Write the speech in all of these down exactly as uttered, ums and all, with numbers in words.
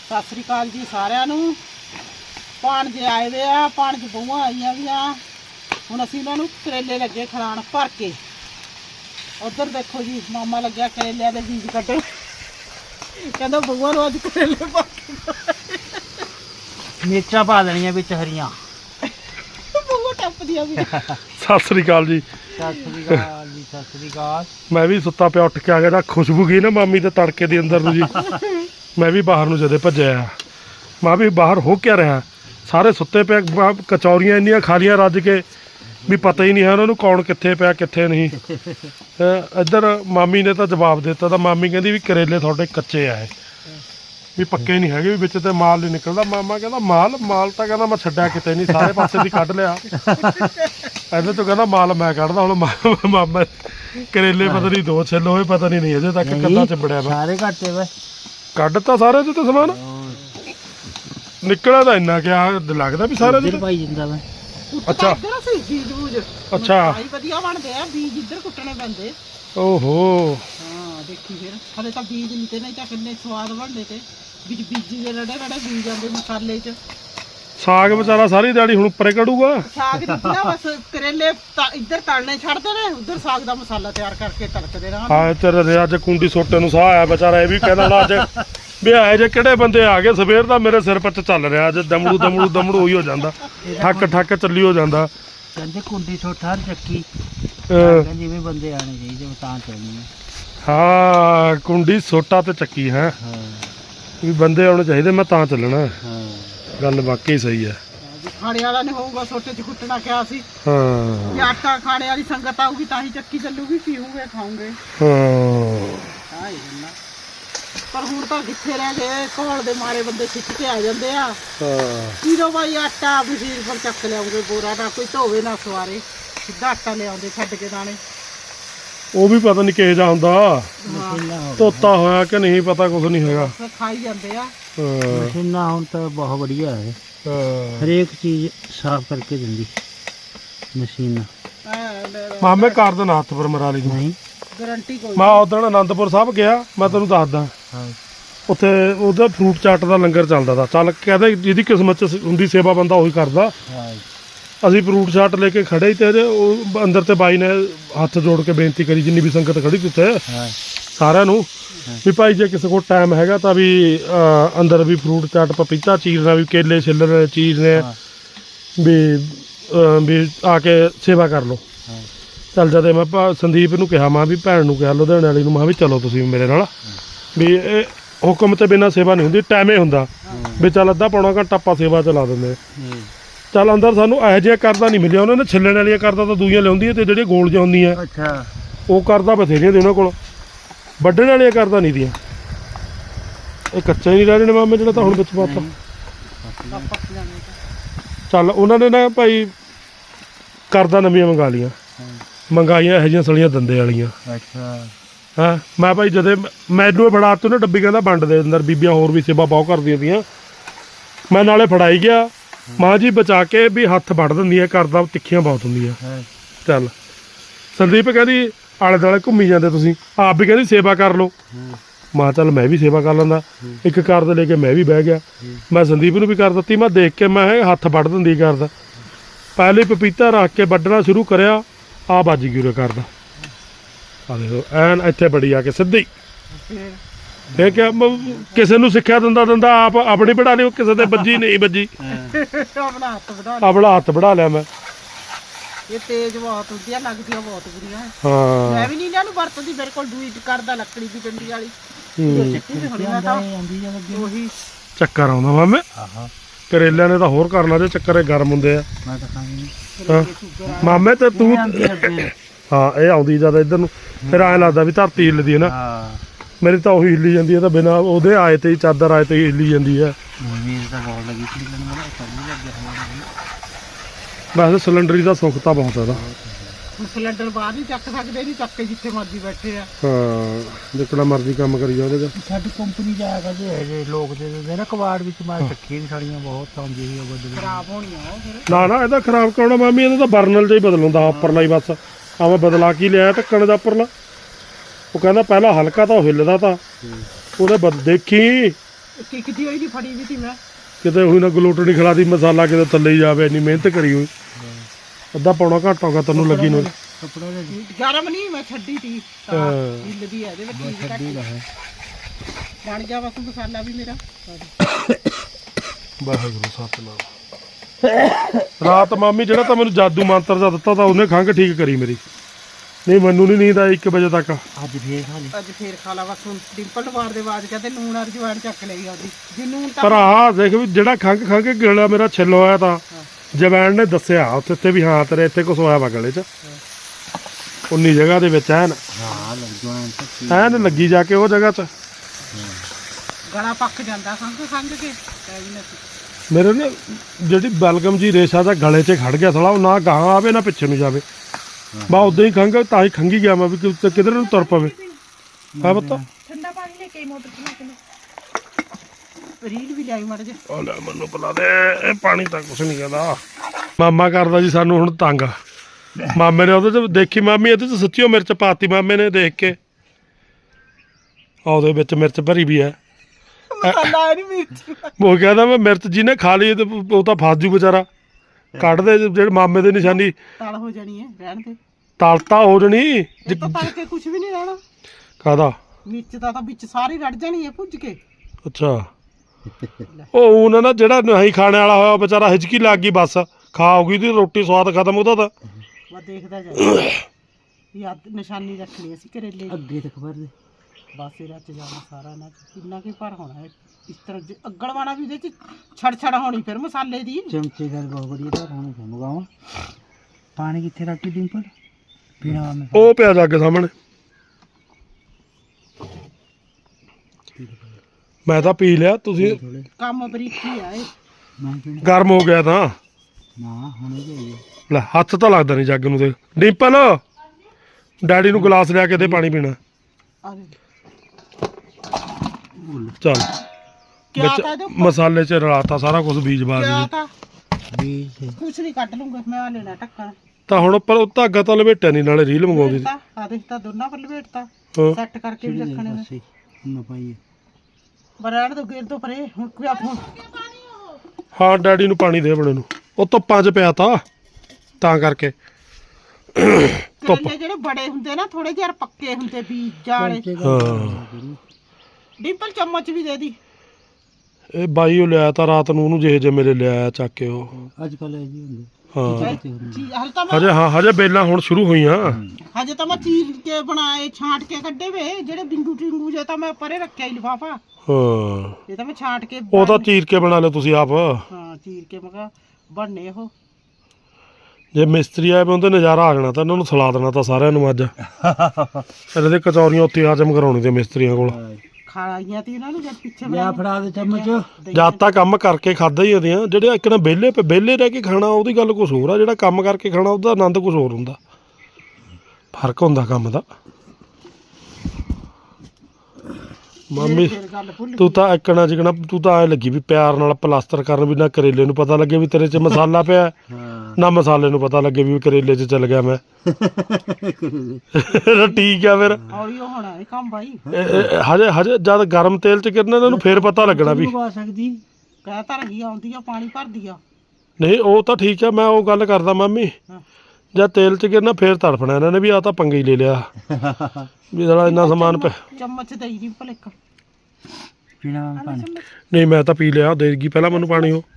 ਸਤਿ ਸ੍ਰੀ ਅਕਾਲ ਜੀ ਸਾਰਿਆਂ ਨੂੰ। ਭਾਣਜੇ ਆਏ ਵੇ ਆ, ਭਾਣਜ ਬਹੂਆਂ ਆਈਆਂ ਵੀ ਆ। ਹੁਣ ਅਸੀਂ ਉਹਨਾਂ ਨੂੰ ਕਰੇਲੇ ਲੱਗੇ ਖਿਲਾਉਣ ਭਰ ਕੇ। ਉਧਰ ਦੇਖੋ ਜੀ ਮਾਮਾ ਲੱਗਿਆ ਕਰੇਲਿਆਂ ਦੇ ਬੀਜ ਕੱਢਣ। ਕਹਿੰਦਾ ਬਹੂਆਂ ਨੂੰ ਅੱਜ ਕਰੇਲੇ ਪਾ ਕੇ ਮਿਰਚਾਂ ਪਾ ਦੇਣੀਆਂ ਵਿੱਚ ਹਰੀਆਂ। ਬਹੂਆਂ ਟੱਪਦੀਆਂ ਵੀ। ਸਤਿ ਸ੍ਰੀ ਅਕਾਲ ਜੀ। ਸਤਿ ਸ੍ਰੀ ਅਕਾਲ ਜੀ, ਸਤਿ ਸ੍ਰੀ ਅਕਾਲ। ਮੈਂ ਵੀ ਸੁੱਤਾ ਪਿਆ, ਉੱਠ ਕੇ ਆ ਗਿਆ ਤਾਂ ਖੁਸ਼ਬੂ ਗਈ ਨਾ ਮਾਮੀ ਦੇ ਤੜਕੇ ਦੇ ਅੰਦਰ ਨੂੰ ਜੀ। ਮੈਂ ਵੀ ਬਾਹਰ ਨੂੰ ਜਦੇ ਭੱਜਿਆ। ਮੈਂ ਵੀ ਬਾਹਰ ਹੋ ਕੇ ਰਿਹਾ, ਸਾਰੇ ਸੁੱਤੇ ਪਏ, ਕਚੌਰੀਆਂ ਇੰਨੀਆਂ ਖਾ ਲੀਆਂ ਰੱਜ ਕੇ ਵੀ ਪਤਾ ਹੀ ਨਹੀਂ ਹੈ ਉਹਨਾਂ ਨੂੰ ਕੌਣ ਕਿੱਥੇ ਪਿਆ ਕਿੱਥੇ ਨਹੀਂ। ਇੱਧਰ ਮਾਮੀ ਨੇ ਤਾਂ ਜਵਾਬ ਦਿੱਤਾ, ਤਾਂ ਮਾਮੀ ਕਹਿੰਦੀ ਵੀ ਕਰੇਲੇ ਤੁਹਾਡੇ ਕੱਚੇ ਆ ਵੀ ਪੱਕੇ ਨਹੀਂ ਹੈਗੇ, ਵੀ ਵਿੱਚ ਤੇ ਮਾਲ ਨਹੀਂ ਨਿਕਲਦਾ। ਮਾਮਾ ਕਹਿੰਦਾ ਮਾਲ ਮਾਲ ਤਾਂ ਕਹਿੰਦਾ ਮੈਂ ਛੱਡਿਆ ਕਿਤੇ ਨਹੀਂ, ਸਾਰੇ ਪਾਸੇ ਦੀ ਕੱਢ ਲਿਆ। ਇਹਦੇ ਤੋਂ ਕਹਿੰਦਾ ਮਾਲ ਮੈਂ ਕੱਢਦਾ। ਹੁਣ ਮਾਮਾ ਕਰੇਲੇ ਪਤਾ ਨਹੀਂ ਦੋ ਛਿੱਲ ਹੋਏ, ਪਤਾ ਨਹੀਂ ਨਹੀਂ ਅਜੇ ਤੱਕ ਕੱਦਾਂ ਚਿੰਬੜਿਆ ਵਾ। ਸਾਰੇ ਘੱਟੇ ਵੇ ਕੱਢ ਤਾਂ ਸਾਰੇ ਤੇ ਸਮਾਨ ਨਿਕਲਿਆ ਤਾਂ ਇੰਨਾ ਕਿਆ ਲੱਗਦਾ ਵੀ ਸਾਰੇ ਇੱਧਰ ਪਾਈ ਜਾਂਦਾ ਵਾ। ਅੱਛਾ ਇੱਧਰ ਅਸੀਂ ਬੀਜ ਬੂਜ ਅੱਛਾ ਭਾਈ ਵਧੀਆ ਬਣਦੇ ਆ, ਬੀਜ ਇੱਧਰ ਕੁੱਟਣੇ ਪੈਂਦੇ। ਓਹੋ ਹਾਂ ਦੇਖੀ ਫਿਰ ਹਲੇ ਤਾਂ ਬੀਜ ਨਹੀਂ ਤੇ, ਨਹੀਂ ਤਾਂ ਕਿੰਨੇ ਸਵਾਦ ਬਣਦੇ ਤੇ ਵਿੱਚ ਬੀਜੀ ਦੇ ਰੜੇ ਰੜੇ ਬੀਜ ਜਾਂਦੇ ਮਸਾਲੇ 'ਚ। ਸਾਗ ਵਿਚਾਰਾ ਸਾਰੀ ਦਿਹਾੜੀ ਹੁਣ ਉੱਪਰੇ ਕੱਢੂਗਾ। ਸਾਗ ਦੀ ਨਾ ਬਸ ਕਰੇਲੇ ਤਾਂ ਇੱਧਰ ਤਲਣੇ ਛੱਡਦੇ ਨੇ, ਉੱਧਰ ਸਾਗ ਦਾ ਮਸਾਲਾ ਤਿਆਰ ਕਰਕੇ ਤੜਕਦੇ ਰਹਿਣ। ਹਾਂ ਤੇਰੇ ਅੱਜ ਕੁੰਡੀ ਸੋਟੇ ਨੂੰ ਸਾਹ ਆਇਆ ਵਿਚਾਰਾ, ਇਹ ਵੀ ਕਹਿੰਦਾ ਨਾ ਅੱਜ ਵੀ ਆਏ ਜੇ ਕਿਹੜੇ ਬੰਦੇ ਆ ਗਏ। ਸਵੇਰ ਦਾ ਮੇਰੇ ਸਿਰ ਪੱਟ ਚੱਲ ਰਿਹਾ ਅੱਜ, ਦਮੜੂ ਦਮੜੂ ਦਮੜੂ ਹੋਈ ਹੋ ਜਾਂਦਾ, ਠੱਕ ਠੱਕ ਚੱਲੀ ਹੋ ਜਾਂਦਾ। ਕਹਿੰਦੇ ਕੁੰਡੀ ਸੋਠਾ ਚੱਕੀ ਅਹ ਜਿਵੇਂ ਬੰਦੇ ਆਣੇ ਚਾਹੀਦੇ ਤਾਂ ਚੱਲਣੀ ਹੈ। ਹਾਂ ਕੁੰਡੀ ਸੋਟਾ ਤੇ ਚੱਕੀ ਹੈ ਹਾਂ ਵੀ ਬੰਦੇ ਆਉਣੇ ਚਾਹੀਦੇ, ਮੈਂ ਤਾਂ ਚੱਲਣਾ। ਹਾਂ ਗੱਲ ਵਾਕਈ ਸਹੀ ਹੈ। ਖਾਣੇ ਵਾਲਾ ਨੇ ਹੋਊਗਾ ਛੋਟੇ ਚ ਕੁੱਟਣਾ ਕਿਹਾ ਸੀ। ਹਾਂ ਜੇ ਆਟਾ ਖਾਣੇ ਵਾਲੀ ਸੰਗਤ ਆਊਗੀ ਤਾਂ ਹੀ ਚੱਕੀ ਚੱਲੂਗੀ, ਪੀਊਗੇ ਖਾਊਗੇ। ਹਾਂ ਹਾਂ ਇਹ ਗੱਲ ਆ। ਪਰ ਹੁਣ ਤਾਂ ਕਿੱਥੇ ਰਹਿ ਗਏ, ਘੋਲ ਦੇ ਮਾਰੇ ਬੰਦੇ ਸਿੱਟ ਕੇ ਆ ਜਾਂਦੇ ਆ। ਹਾਂ ਕਿਲੋ ਬਾਈ ਆਟਾ ਮਸ਼ੀਨ ਪਰ ਚੱਕ ਲਿਆਉਂਗੇ, ਬੋਰਾ ਨਾ ਕੋਈ ਧੋਵੇ ਨਾ ਸਵਾਰੇ, ਸਿੱਧਾ ਆਟਾ ਲਿਆਉਂਦੇ ਛੱਡ ਕੇ ਦਾਣੇ। ਉਹ ਵੀ ਪਤਾ ਨਹੀਂ ਕਿਹੋ ਜਿਹਾ ਹੁੰਦਾ, ਹਾਂ ਧੋਤਾ ਹੋਇਆ ਕਿ ਨਹੀਂ ਪਤਾ, ਕੁਝ ਨਹੀਂ ਹੈਗਾ। ਫਿਰ ਖਾਈ ਜਾਂਦੇ ਆ। ਹਾਂ ਮਸ਼ੀਨਾਂ ਹੁਣ ਤਾਂ ਬਹੁਤ ਵਧੀਆ ਹੈ, ਹਾਂ। ਹਰੇਕ ਚੀਜ਼ ਸਾਫ਼ ਕਰਕੇ ਦਿੰਦੀ ਮਸ਼ੀਨ। ਐ ਲੈ ਲਓ। ਮਾਮੇ ਕਰ ਦੇਣਾ ਹੱਥ ਪਰ ਮਰਾ ਲਈ। ਨਹੀਂ ਗਰੰਟੀ ਕੋਈ ਮੈਂ ਉਦੋਂ ਅਨੰਦਪੁਰ ਸਾਹਿਬ ਗਿਆ, ਮੈਂ ਤੈਨੂੰ ਦੱਸਦਾ, ਹਾਂ ਉੱਥੇ ਉਹਦਾ ਫਰੂਟ ਚਾਟ ਦਾ ਲੰਗਰ ਚੱਲਦਾ ਤਾ। ਚੱਲ ਕਹਿੰਦੇ ਜਿਹਦੀ ਕਿਸਮਤ ਚ ਹੁੰਦੀ ਸੇਵਾ ਬੰਦਾ ਉਹੀ ਕਰਦਾ। ਹਾਂ ਅਸੀਂ ਫਰੂਟ ਚਾਟ ਲੈ ਕੇ ਖੜੇ ਤੇ ਉਹ ਅੰਦਰ ਤੇ ਬਾਈ ਨੇ ਹੱਥ ਜੋੜ ਕੇ ਬੇਨਤੀ ਕਰੀ, ਜਿੰਨੀ ਵੀ ਸੰਗਤ ਖੜੀ ਉੱਥੇ ਹਾਂ ਸਾਰਿਆਂ ਨੂੰ, ਵੀ ਭਾਈ ਜੇ ਕਿਸੇ ਕੋਲ ਟਾਈਮ ਹੈਗਾ ਤਾਂ ਵੀ ਅਹ, ਅੰਦਰ ਵੀ ਫਰੂਟ ਚਾਟ ਪਪੀਤਾ ਚੀਰਨਾ, ਵੀ ਕੇਲੇ ਛਿੱਲਣ ਚੀਰਨੇ, ਵੀ ਅਹ, ਵੀ ਆ ਕੇ ਸੇਵਾ ਕਰ ਲਓ। ਹਾਂ ਚੱਲ ਜਦੇ ਮੈਂ ਭਾ ਸੰਦੀਪ ਨੂੰ ਕਿਹਾ, ਮੈਂ ਵੀ ਭੈਣ ਨੂੰ ਕਿਹਾ ਲੁਧਿਆਣੇ ਵਾਲੀ ਨੂੰ, ਮੈਂ ਵੀ ਚਲੋ ਤੁਸੀਂ ਮੇਰੇ ਨਾਲ, ਵੀ ਇਹ ਹੁਕਮ ਤੇ ਬਿਨਾਂ ਸੇਵਾ ਨਹੀਂ ਹੁੰਦੀ, ਟਾਈਮੇ ਹੁੰਦਾ ਵੀ ਚੱਲ ਅੱਧਾ ਪੌਣਾ ਘੰਟਾ ਆਪਾਂ ਸੇਵਾ ਚਲਾ ਦਿੰਦੇ। ਚੱਲ ਅੰਦਰ ਸਾਨੂੰ ਇਹੋ ਜਿਹਾ ਕਰਦਾ ਨਹੀਂ ਮਿਲਿਆ। ਉਹਨਾਂ ਨੇ ਛਿੱਲਣ ਵਾਲੀਆਂ ਕਰਦਾ ਤਾਂ ਦੂਈਆਂ ਲਿਆਉਂਦੀਆਂ, ਤੇ ਜਿਹੜੀਆਂ ਗੋਲ ਜਿਹੀਆਂ ਹੁੰਦੀਆਂ ਅੱਛਾ ਉਹ ਕਰਦਾ ਬਥੇਰੀਆਂ ਦੇ ਉਹਨਾਂ ਕੋਲ, ਵੱਢਣ ਵਾਲੀਆਂ ਕਰਦਾ ਨਹੀਂ ਦੀਆਂ। ਇਹ ਕੱਚਾ ਹੀ ਨਹੀਂ ਰਹਿ ਜਾਣੇ ਮਾਮੇ ਜਿਹੜਾ ਤਾਂ ਹੁਣ ਵਿੱਚ ਪਾਤਾ। ਚੱਲ ਉਹਨਾਂ ਨੇ ਨਾ ਭਾਈ ਕਰਦਾ ਨਵੀਆਂ ਮੰਗਾ ਲੀਆਂ, ਮੰਗਾਈਆਂ ਇਹੋ ਜਿਹੀਆਂ ਸਲੀਆਂ ਦੰਦੇ ਵਾਲੀਆਂ। ਅੱਛਾ ਹਾਂ ਮੈਂ ਭਾਈ ਜਦੇ ਮੈਨੂੰ ਫੜਾ ਤੀ ਉਹਨੇ ਡੱਬੀ, ਕਹਿੰਦਾ ਵੰਡ ਦੇ ਅੰਦਰ, ਬੀਬੀਆਂ ਹੋਰ ਵੀ ਸੇਵਾ ਬਹੁਤ ਕਰਦੀਆਂ ਤੀਆਂ। ਮੈਂ ਨਾਲੇ ਫੜਾਈ ਗਿਆ, ਮਾਂ ਜੀ ਬਚਾ ਕੇ ਵੀ ਹੱਥ ਵੱਢ ਦਿੰਦੀਆਂ, ਕਰਦਾ ਤਿੱਖੀਆਂ ਬਹੁਤ ਹੁੰਦੀਆਂ। ਚੱਲ ਸੰਦੀਪ ਕਹਿੰਦੀ ਆਲੇ ਦੁਆਲੇ ਘੁੰਮੀ ਜਾਂਦੇ ਤੁਸੀਂ, ਆਪ ਵੀ ਕਹਿੰਦੀ ਸੇਵਾ ਕਰ ਲਓ। ਮਾਂ ਚੱਲ ਮੈਂ ਵੀ ਸੇਵਾ ਕਰ ਲੈਂਦਾ, ਇੱਕ ਕਰਦ ਲੈ ਕੇ ਮੈਂ ਵੀ ਬਹਿ ਗਿਆ। ਮੈਂ ਸੰਦੀਪ ਨੂੰ ਵੀ ਕਰ ਦਿੱਤੀ, ਮੈਂ ਦੇਖ ਕੇ ਮੈਂ ਹੱਥ ਵੱਢ ਦਿੰਦੀ ਕਰਦਾ। ਪਹਿਲੇ ਪਪੀਤਾ ਰੱਖ ਕੇ ਵੱਢਣਾ ਸ਼ੁਰੂ ਕਰਿਆ, ਆ ਵੱਜ ਗਈ ਉਰੇ ਕਰਦਾ। ਆ ਦੇਖੋ ਐਨ ਇੱਥੇ ਬੜੀ ਆ ਕੇ ਸਿੱਧੀ। ਇਹ ਕਿ ਕਿਸੇ ਨੂੰ ਸਿੱਖਿਆ ਦਿੰਦਾ ਦਿੰਦਾ ਆਪ ਆਪਣੀ ਪੜਾ ਲਈ, ਕਿਸੇ ਦੇ ਵੱਜੀ ਨਹੀਂ ਵੱਜੀ, ਆਪਣਾ ਹੱਥ ਵਧਾ ਆਪਣਾ ਹੱਥ ਵੜਾ ਲਿਆ ਮੈਂ। ਇਹ ਤੇਜ਼ ਬਹੁਤ ਹੁੰਦੀਆਂ, ਲੱਗਦੀਆਂ ਬਹੁਤ ਬੁਰੀਆਂ। ਹਾਂ ਮੈਂ ਵੀ ਨਹੀਂ ਇਹਨਾਂ ਨੂੰ ਵਰਤਦੀ, ਮੇਰੇ ਕੋਲ ਦੂਈ ਕਰਦਾ ਲੱਕੜੀ ਦੀ ਡੰਡੀ ਵਾਲੀ। ਹੂੰ ਚੱਕੀ ਵੀ ਹੋਣੀ ਮੈਂ ਤਾਂ ਆਂਦੀ ਜਾਂ ਉਹੀ ਚੱਕਰ ਆਉਂਦਾ ਮਾਮੇ। ਆਹਾ ਕਰੇਲਿਆਂ ਨੇ ਤਾਂ ਹੋਰ ਕਰਨਾ, ਜੇ ਚੱਕਰੇ ਗਰਮ ਹੁੰਦੇ ਆ। ਮੈਂ ਤਾਂ ਖਾਣੀ ਹਾਂ ਮਾਮੇ ਤੇ ਤੂੰ ਆਂਦੀ ਅੱਗੇ। ਹਾਂ ਇਹ ਆਉਂਦੀ ਜਦ ਇੱਧਰ ਨੂੰ, ਫਿਰ ਐਂ ਲੱਗਦਾ ਵੀ ਧਰਤੀ ਹਿੱਲਦੀ ਹੈ ਨਾ। ਹਾਂ ਮੇਰੀ ਤਾਂ ਉਹੀ ਹਿੱਲੀ ਜਾਂਦੀ ਹੈ, ਤਾਂ ਬਿਨਾਂ ਉਹਦੇ ਆਏ ਤੇ ਹੀ, ਚਾਦਰ ਆਏ ਤੇ ਹੀ ਹਿੱਲੀ ਜਾਂਦੀ ਹੈ। ਮੂਵੀ ਤਾਂ ਬਹੁਤ ਲੱਗੀ ਸੀ, ਮੈਨੂੰ ਮੇਰਾ ਸਮਝ ਲੱਗ ਗਿਆ। ਵੈਸੇ ਸਿਲੰਡਰੀ ਦਾ ਸੁੱਖ ਤਾਂ ਬਹੁਤ ਹੈ ਇਹਦਾ। ਹੁਣ ਸਿਲੰਡਰ ਬਾਹਰ ਨਹੀਂ ਚੱਕ ਸਕਦੇ, ਨਹੀਂ ਚੱਕ ਕੇ ਜਿੱਥੇ ਮਰਜ਼ੀ ਬੈਠੇ ਆ। ਹਾਂ ਜਿੱਕੜਾ ਮਰਜ਼ੀ ਕੰਮ ਕਰੀ ਜਾ ਉਹਦੇ ਚ। ਸਾਡੀ ਕੰਪਨੀ ਜਾ ਕੇ ਜੇ ਜੇ ਲੋਕ ਦੇ ਦਿੰਦੇ ਨਾ ਕਬਾੜ ਵਿੱਚ, ਮਾਰ ਰੱਖੀ ਸਾੜੀਆਂ ਬਹੁਤ ਆਉਂਦੀ ਸੀ ਉਹ ਖਰਾਬ ਹੋਣੀਆਂ ਉਹ ਫਿਰ। ਨਾ ਨਾ ਇਹਦਾ ਖਰਾਬ ਕਰਾਉਣਾ ਮਾਮੀ, ਇਹਦਾ ਤਾਂ ਬਰਨਲ ਜਿਹਾ ਹੀ ਬਦਲੂੰਦਾ ਉੱਪਰਲਾ ਹੀ ਬਸ। ਆਵੇਂ ਬਦਲਾ ਕੀ ਲਿਆ ਢੱਕਣ ਦਾ ਉੱਪਰਲਾ। ਉਹ ਕਹਿੰਦਾ ਪਹਿਲਾਂ ਹਲਕਾ ਤਾਂ ਉਹ ਹਿੱਲਦਾ ਤਾਂ, ਉਹਦੇ ਬਦ ਦੇਖੀ ਟਿਕਦੀ ਹੋਈ ਦੀ ਫੜੀ ਵੀ ਸੀ ਮੈਂ ਕਿਤੇ ਹੋਈ ਨਾ ਗਲੋਟਣੀ ਖਿਲਾਦੀ ਮਸਾਲਾ ਕਿਤੇ ਥੱਲੇ ਹੀ ਜਾਵੇ ਇੰਨੀ ਮਿਹਨਤ ਕਰੀ ਹੋਈ ਅੱਧਾ ਪੌਣਾ ਘੱਟ ਹੋਗਾ ਤੈਨੂੰ ਲੱਗੀ ਨੂੰ ਕੱਪੜਾ ਦੇ ਗਰਮ ਨਹੀਂ ਮੈਂ ਛੱਡੀ ਤੀ ਤਾਂ ਹਾਂ। ਹਿੱਲਦੀ ਹੈ ਇਹਦੇ ਵਿੱਚ ਚੀਜ਼ ਘੱਟ ਛੱਡੀ ਦਾ ਹੈ ਬਣ ਗਿਆ ਬਸ ਮਸਾਲਾ ਵੀ ਮੇਰਾ ਵਾਹਿਗੁਰੂ ਸਤਨਾਮ ਰਾਤ ਮਾਮੀ ਜਿਹੜਾ ਤਾਂ ਮੈਨੂੰ ਜਾਦੂ ਮੰਤਰ ਦਾ ਦਿੱਤਾ ਤਾਂ ਉਹਨੇ ਖੰਘ ਠੀਕ ਕਰੀ ਮੇਰੀ ਨਹੀਂ ਮੈਨੂੰ ਨਹੀਂ ਨੀਂਦ ਆਈ ਇੱਕ ਵਜੇ ਤੱਕ ਅੱਜ ਫੇਰ ਖਾ ਲਈ ਅੱਜ ਫੇਰ ਖਾ ਲਾ ਬਸ ਹੁਣ ਡਿੰਪਲ ਮਾਰ ਦੇ ਬਾਅਦ ਕਹਿੰਦੇ ਨੂਣ ਔਰ ਜਵਾਨ ਚੱਕ ਲਈ ਉਹਦੀ ਜੇ ਨੂਣ ਤਾਂ ਪਰ ਆਹ ਦੇਖ ਵੀ ਜਿਹੜਾ ਖੰਘ ਖੰਘ ਕੇ ਗਲਾ ਮੇਰਾ ਛਿੱਲ ਹੋਇਆ ਤਾਂ ਜਵੈਣ ਨੇ ਦੱਸਿਆ ਉੱਥੇ ਤੇ ਵੀ ਹਾਂ ਤੇਰੇ ਇੱਥੇ ਕੁਛ ਹੋਇਆ ਵਾ ਗਲੇ 'ਚ ਉਨੀ ਜਗ੍ਹਾ ਦੇ ਵਿੱਚ ਐਨ ਹਾਂ ਲੱਗ ਜਾਣਾ ਐਨ ਲੱਗੀ ਜਾ ਕੇ ਉਹ ਜਗ੍ਹਾ 'ਚ ਗਲਾ ਪੱਕ ਜਾਂਦਾ ਖੰਘ ਖੰਘ ਕੇ ਕਹਿ ਵੀ ਨਾ ਮੇਰੇ ਨਾ ਜਿਹੜੀ ਬਲਗਮ ਜੀ ਰੇਸ਼ਾ ਦਾ ਗਲੇ 'ਚ ਖੜ ਗਿਆ ਥੋੜਾ ਉਹ ਨਾ ਗਾਹਾਂ ਆਵੇ ਨਾ ਪਿੱਛੇ ਨੂੰ ਜਾਵੇ ਬਾ ਉਦਾਂ ਹੀ ਖੰਘ ਤਾਂ ਹੀ ਖੰਗੀ ਗਿਆ ਮੈਂ ਵੀ ਕਿ- ਕਿਧਰ ਨੂੰ ਤੁਰ ਪਵੇ ਹਾਂ ਪਤਾ ਠੰਡਾ ਪਾਣੀ ਲੈ ਕੇ ਮੋਟਰ ਚਲਾ ਕੇ ਰੀਲ ਵੀ ਲਿਆਈ ਮੜ ਜੇ ਉਹ ਲੈ ਮੈਨੂੰ ਪਿਲਾ ਦੇ ਇਹ ਪਾਣੀ ਤਾਂ ਕੁਛ ਨਹੀਂ ਕਹਿੰਦਾ ਮਾਮਾ ਕਰਦਾ ਜੀ ਸਾਨੂੰ ਹੁਣ ਤੰਗ ਮਾਮੇ ਨੇ ਉਹਦੇ 'ਚ ਦੇਖੀ ਮਾਮੀ ਇਹਦੇ 'ਚ ਸੱਚੀਓ ਮਿਰਚ ਪਾਤੀ ਮਾਮੇ ਨੇ ਦੇਖ ਕੇ ਆ ਉਹਦੇ ਵਿੱਚ ਮਿਰਚ ਭਰੀ ਵੀ ਹੈ ਮਸਾਲਾ ਨਹੀਂ ਮਿਰਚ ਉਹ ਕਹਿੰਦਾ ਮੈਂ ਮਿਰਚ ਜਿਹਨੇ ਖਾ ਲਈ ਤੇ ਉਹ ਤਾਂ ਫਸ ਜੂ ਵਿਚਾਰਾ ਕੱਢ ਦੇ ਜਿਹੜੇ ਮਾਮੇ ਦੀ ਨਿਸ਼ਾਨੀ ਤਲ ਹੋ ਜਾਣੀ ਹੈ ਰਹਿਣ ਦੇ ਤਲਤਾ ਹੋ ਜਣੀ ਇਹ ਤਾਂ ਤਲ ਕੇ ਕੁਝ ਵੀ ਨਹੀਂ ਰਹਿਣਾ ਕਾਹਦਾ ਮਿਰਚ ਦਾ ਤਾਂ ਵਿੱਚ ਸਾਰੀ ਰੜ ਜਾਣੀ ਹੈ ਭੁੱਜ ਕੇ ਅੱਛਾ ਉਹ ਉਹਨਾਂ ਨਾ ਜਿਹੜਾ ਨਹੀਂ ਖਾਣੇ ਵਾਲਾ ਹੋਇਆ ਉਹ ਵਿਚਾਰਾ ਹਿਚਕੀ ਲੱਗ ਗਈ ਬਸ ਖਾ ਹੋ ਗਈ ਦੀ ਰੋਟੀ ਸਵਾਦ ਖਤਮ ਉਹਦਾ ਤਾਂ ਮੈਂ ਦੇਖਦਾ ਜਾ ਯਾਦ ਨਿਸ਼ਾਨੀ ਰੱਖਣੀ ਅਸੀਂ ਕਰੇਲੇ ਦੀ। ਅੱਗੇ ਤੱਕ ਭਰ ਦੇ ਬਸ ਇਹਦਾ ਚ ਜਾਣਾ ਸਾਰਾ ਨਾ ਕਿੰਨਾ ਕੀ ਭਰ ਹੋਣਾ ਹੈ ਇਸ ਤਰ੍ਹਾਂ ਜੇ ਅੱਗੜ ਵਾਲਾ ਵੀ ਇਹਦੇ ਚ ਛੜ ਛੜ ਹੋਣੀ ਫਿਰ ਮਸਾਲੇ ਦੀ ਚਮਚੇ ਨਾਲ ਬਹੁਤ ਵਧੀਆ ਧਰ ਹੋਣੇ ਤੇ ਮਗਾਵਾਂ ਪਾਣੀ ਕਿੱਥੇ ਰੱਖੀ ਡਿੰਪਲ ਪੀਣਾ ਮੈਂ ਉਹ ਪਿਆ ਜਾ ਕੇ ਸਾਹਮਣੇ ਮੈਂ ਤਾਂ ਪੀ ਲਿਆ ਤੁਸੀਂ ਥੋੜੇ ਕੰਮ ਬਰੀਕੀ ਆ ਇਹ ਮੈਂ ਪੀਣਾ ਗਰਮ ਹੋ ਗਿਆ ਤਾਂ ਨਾ ਹੁਣੇ ਜਾਈਏ ਲੈ ਹੱਥ ਤਾਂ ਲੱਗਦਾ ਨਹੀਂ ਜੱਗ ਨੂੰ ਦੇਖ ਡਿੰਪਲ ਡੈਡੀ ਨੂੰ ਗਲਾਸ ਲਿਆ ਕੇ ਦੇ ਪਾਣੀ ਪੀਣਾ ਆ ਦੇ ਚੱਲ ਕਿਆ ਵਿੱਚ ਤਾਂ ਇਹਦੇ ਉੱਪਰ ਮਸਾਲੇ 'ਚ ਰਲਾਤਾ ਸਾਰਾ ਕੁਝ ਬੀਜ ਬਾਜ ਕਿਆ ਜੀ ਤਾਂ ਬੀਜ ਕੁਛ ਨਹੀਂ ਕੱਢ ਲੂੰਗਾ ਮੈਂ ਆ ਲੈਣਾ ਢੱਕਣ ਤਾਂ ਹੁਣ ਉੱਪਰ ਉਹ ਧਾਗਾ ਤਾਂ ਲਪੇਟਿਆ ਨਹੀਂ ਨਾਲੇ ਰੀਲ ਮੰਗਾਉਂਦੀ ਸੀ ਆ ਦੇਖ ਤਾਂ ਦੋਨਾਂ ਪਰ ਲਪੇਟਤਾ ਹਾਂ ਸੈੱਟ ਕਰਕੇ ਵੀ ਰੱਖਣੇ ਨੇ ਪਾਸੇ ਨਾ ਪਾਈਏ ਬਰਾੜ ਤੋਂ ਗੇਰ ਤੋਂ ਪਰੇ ਹੁਣ ਕਿਆ ਫੋਨ ਹਾਂ ਡੈਡੀ ਨੂੰ ਪਾਣੀ ਦੇ ਬਣੇ ਨੂੰ ਉਹ ਧੁੱਪਾਂ 'ਚ ਪਿਆ ਤਾ ਤਾਂ ਕਰਕੇ ਧੁੱਪ ਕਰੇਲੇ ਜਿਹੜੇ ਬੜੇ ਹੁੰਦੇ ਨਾ ਥੋੜੇ ਜਿਹੇ ਪੱਕੇ ਹੁੰਦੇ ਬੀਜ ਜਾਲੇ ਹਾਂ ਡਿੰਪਲ ਚਮਚ ਵੀ ਦੇ ਦੀ ਇਹ ਬਾਈ ਉਹ ਲਿਆਇਆ ਤਾਂ ਰਾਤ ਨੂੰ ਉਹਨੂੰ ਜਿਹੇ ਜਿਹੇ ਮੇਰੇ ਲਿਆਇਆ ਚੱਕ ਕੇ ਉਹ ਅੱਜ ਕੱਲ ਇਹ ਜੀ ਹੁੰਦੇ ਹਾਂ ਜੀ ਹਲ ਤਾਂ ਮੈਂ ਹਜੇ ਹਾਂ ਹਜੇ ਬੇਲਾਂ ਹੁਣ ਸ਼ੁਰੂ ਹੋਈਆਂ ਹਜੇ ਤਾਂ ਮੈਂ ਚੀਰ ਕੇ ਬਣਾਏ ਛਾਂਟ ਕੇ ਕੱਢੇ ਵੇ ਜਿਹੜੇ ਬਿੰਗੂ ਟਿੰਗੂ ਜੇ ਤਾਂ ਮੈਂ ਪਰੇ ਰੱਖਿਆ ਹੀ ਲਿਫਾਫਾ ਹਾਂ ਇਹ ਤਾਂ ਮੈਂ ਛਾਂਟ ਕੇ ਉਹ ਤਾਂ ਚੀਰ ਕੇ ਬਣਾ ਲਿਆ ਤੁਸੀਂ ਆਪ ਹਾਂ ਚੀਰ ਕੇ ਮੈਂ ਕਿਹਾ ਬਣਨੇ ਉਹ ਜੇ ਮਿਸਤਰੀ ਆਏ ਬੰਦੇ ਨਜ਼ਾਰਾ ਆ ਜਾਣਾ ਤਾਂ ਇਹਨਾਂ ਨੂੰ ਸਲਾ ਦੇਣਾ ਤਾਂ ਸਾਰਿਆਂ ਨੂੰ ਅੱਜ ਇਹਨਾਂ ਦੇ ਕਚੌਰੀਆਂ ਉੱਤੇ ਆਜਮ ਕਰਾਉਣੀ ਤੇ ਮਿਸਤਰੀਆਂ ਕੋਲ ਖਾਈਆਂ ਤੀ ਉਹਨਾਂ ਨੂੰ ਜਦ ਪਿੱਛੇ ਲਿਆ ਫੜਾ ਦੇ ਚਮਚ ਜਦ ਤਾਂ ਕੰਮ ਕਰਕੇ ਖਾਦਾ ਹੀ ਉਹਦੀਆਂ ਜਿਹੜੇ ਇੱਕ ਨਾ ਵਿਹਲੇ ਪੇ ਵਿਹਲੇ ਰਹਿ ਕੇ ਖਾਣਾ ਉਹਦੀ ਗੱਲ ਕੁਝ ਹੋਰ ਆ ਜਿਹੜਾ ਕੰਮ ਕਰਕੇ ਖਾਣਾ ਉਹਦਾ ਆਨੰਦ ਕੁਝ ਹੋਰ ਹੁੰਦਾ ਫਰਕ ਹੁੰਦਾ ਕੰਮ ਦਾ ਮੰਮੀ ਫਿਰ ਗੱਲ ਭੁੱਲ ਤੂੰ ਤਾਂ ਇੱਕਣਾ ਜਿਕਣਾ ਤੂੰ ਤਾਂ ਐ ਲੱਗੀ ਵੀ ਪਿਆਰ ਨਾਲ ਪਲਾਸਟਰ ਕਰਨ ਵੀ ਨਾ ਕਰੇਲੇ ਨੂੰ ਪਤਾ ਲੱਗੇ ਵੀ ਤੇਰੇ 'ਚ ਮਸਾਲਾ ਪਿਆ ਹਾਂ ਨਾ ਮਸਾਲੇ ਨੂੰ ਪਤਾ ਲੱਗੇ ਵੀ ਕਰੇਲੇ 'ਚ ਚੱਲ ਗਿਆ ਮੈਂ ਠੀਕ ਆ ਫਿਰ ਹੌਲੀ ਹੋਣਾ ਇਹ ਕੰਮ ਬਾਈ ਇਹ- ਇਹ ਹਜੇ ਹਜੇ ਜਦ ਗਰਮ ਤੇਲ 'ਚ ਗਿਰਨਾ ਇਹਨਾਂ ਨੂੰ ਫੇਰ ਪਤਾ ਲੱਗਣਾ ਵੀ ਲਗਾ ਸਕਦੀ ਕਹਿ ਤਾਂ ਰਹੀ ਆਉਂਦੀ ਆ ਪਾਣੀ ਭਰਦੀ ਆ ਨਹੀਂ ਉਹ ਤਾਂ ਠੀਕ ਆ ਮੈਂ ਉਹ ਗੱਲ ਕਰਦਾ ਮਾਮੀ ਹਾਂ। ਜਦ ਤੇਲ 'ਚ ਗਿਰਨਾ ਫੇਰ ਤੜਫਣਾ ਇਹਨਾਂ ਨੇ ਵੀ ਆ ਤਾਂ ਪੰਗਾ ਹੀ ਲੈ ਲਿਆ ਵੀ ਸਾਲਾ ਇੰਨਾ ਸਮਾਨ ਪਿਆ ਚਮਚ ਦੇਈ ਡਿੰਪਲ ਇੱਕ ਪੀਣਾ ਮੈਂ ਪਾਣੀ ਨਹੀਂ ਮੈਂ ਤਾਂ ਪੀ ਲਿਆ ਦੇਗੀ ਪਹਿਲਾਂ ਮੈਨੂੰ ਪਾਣੀ ਉਹ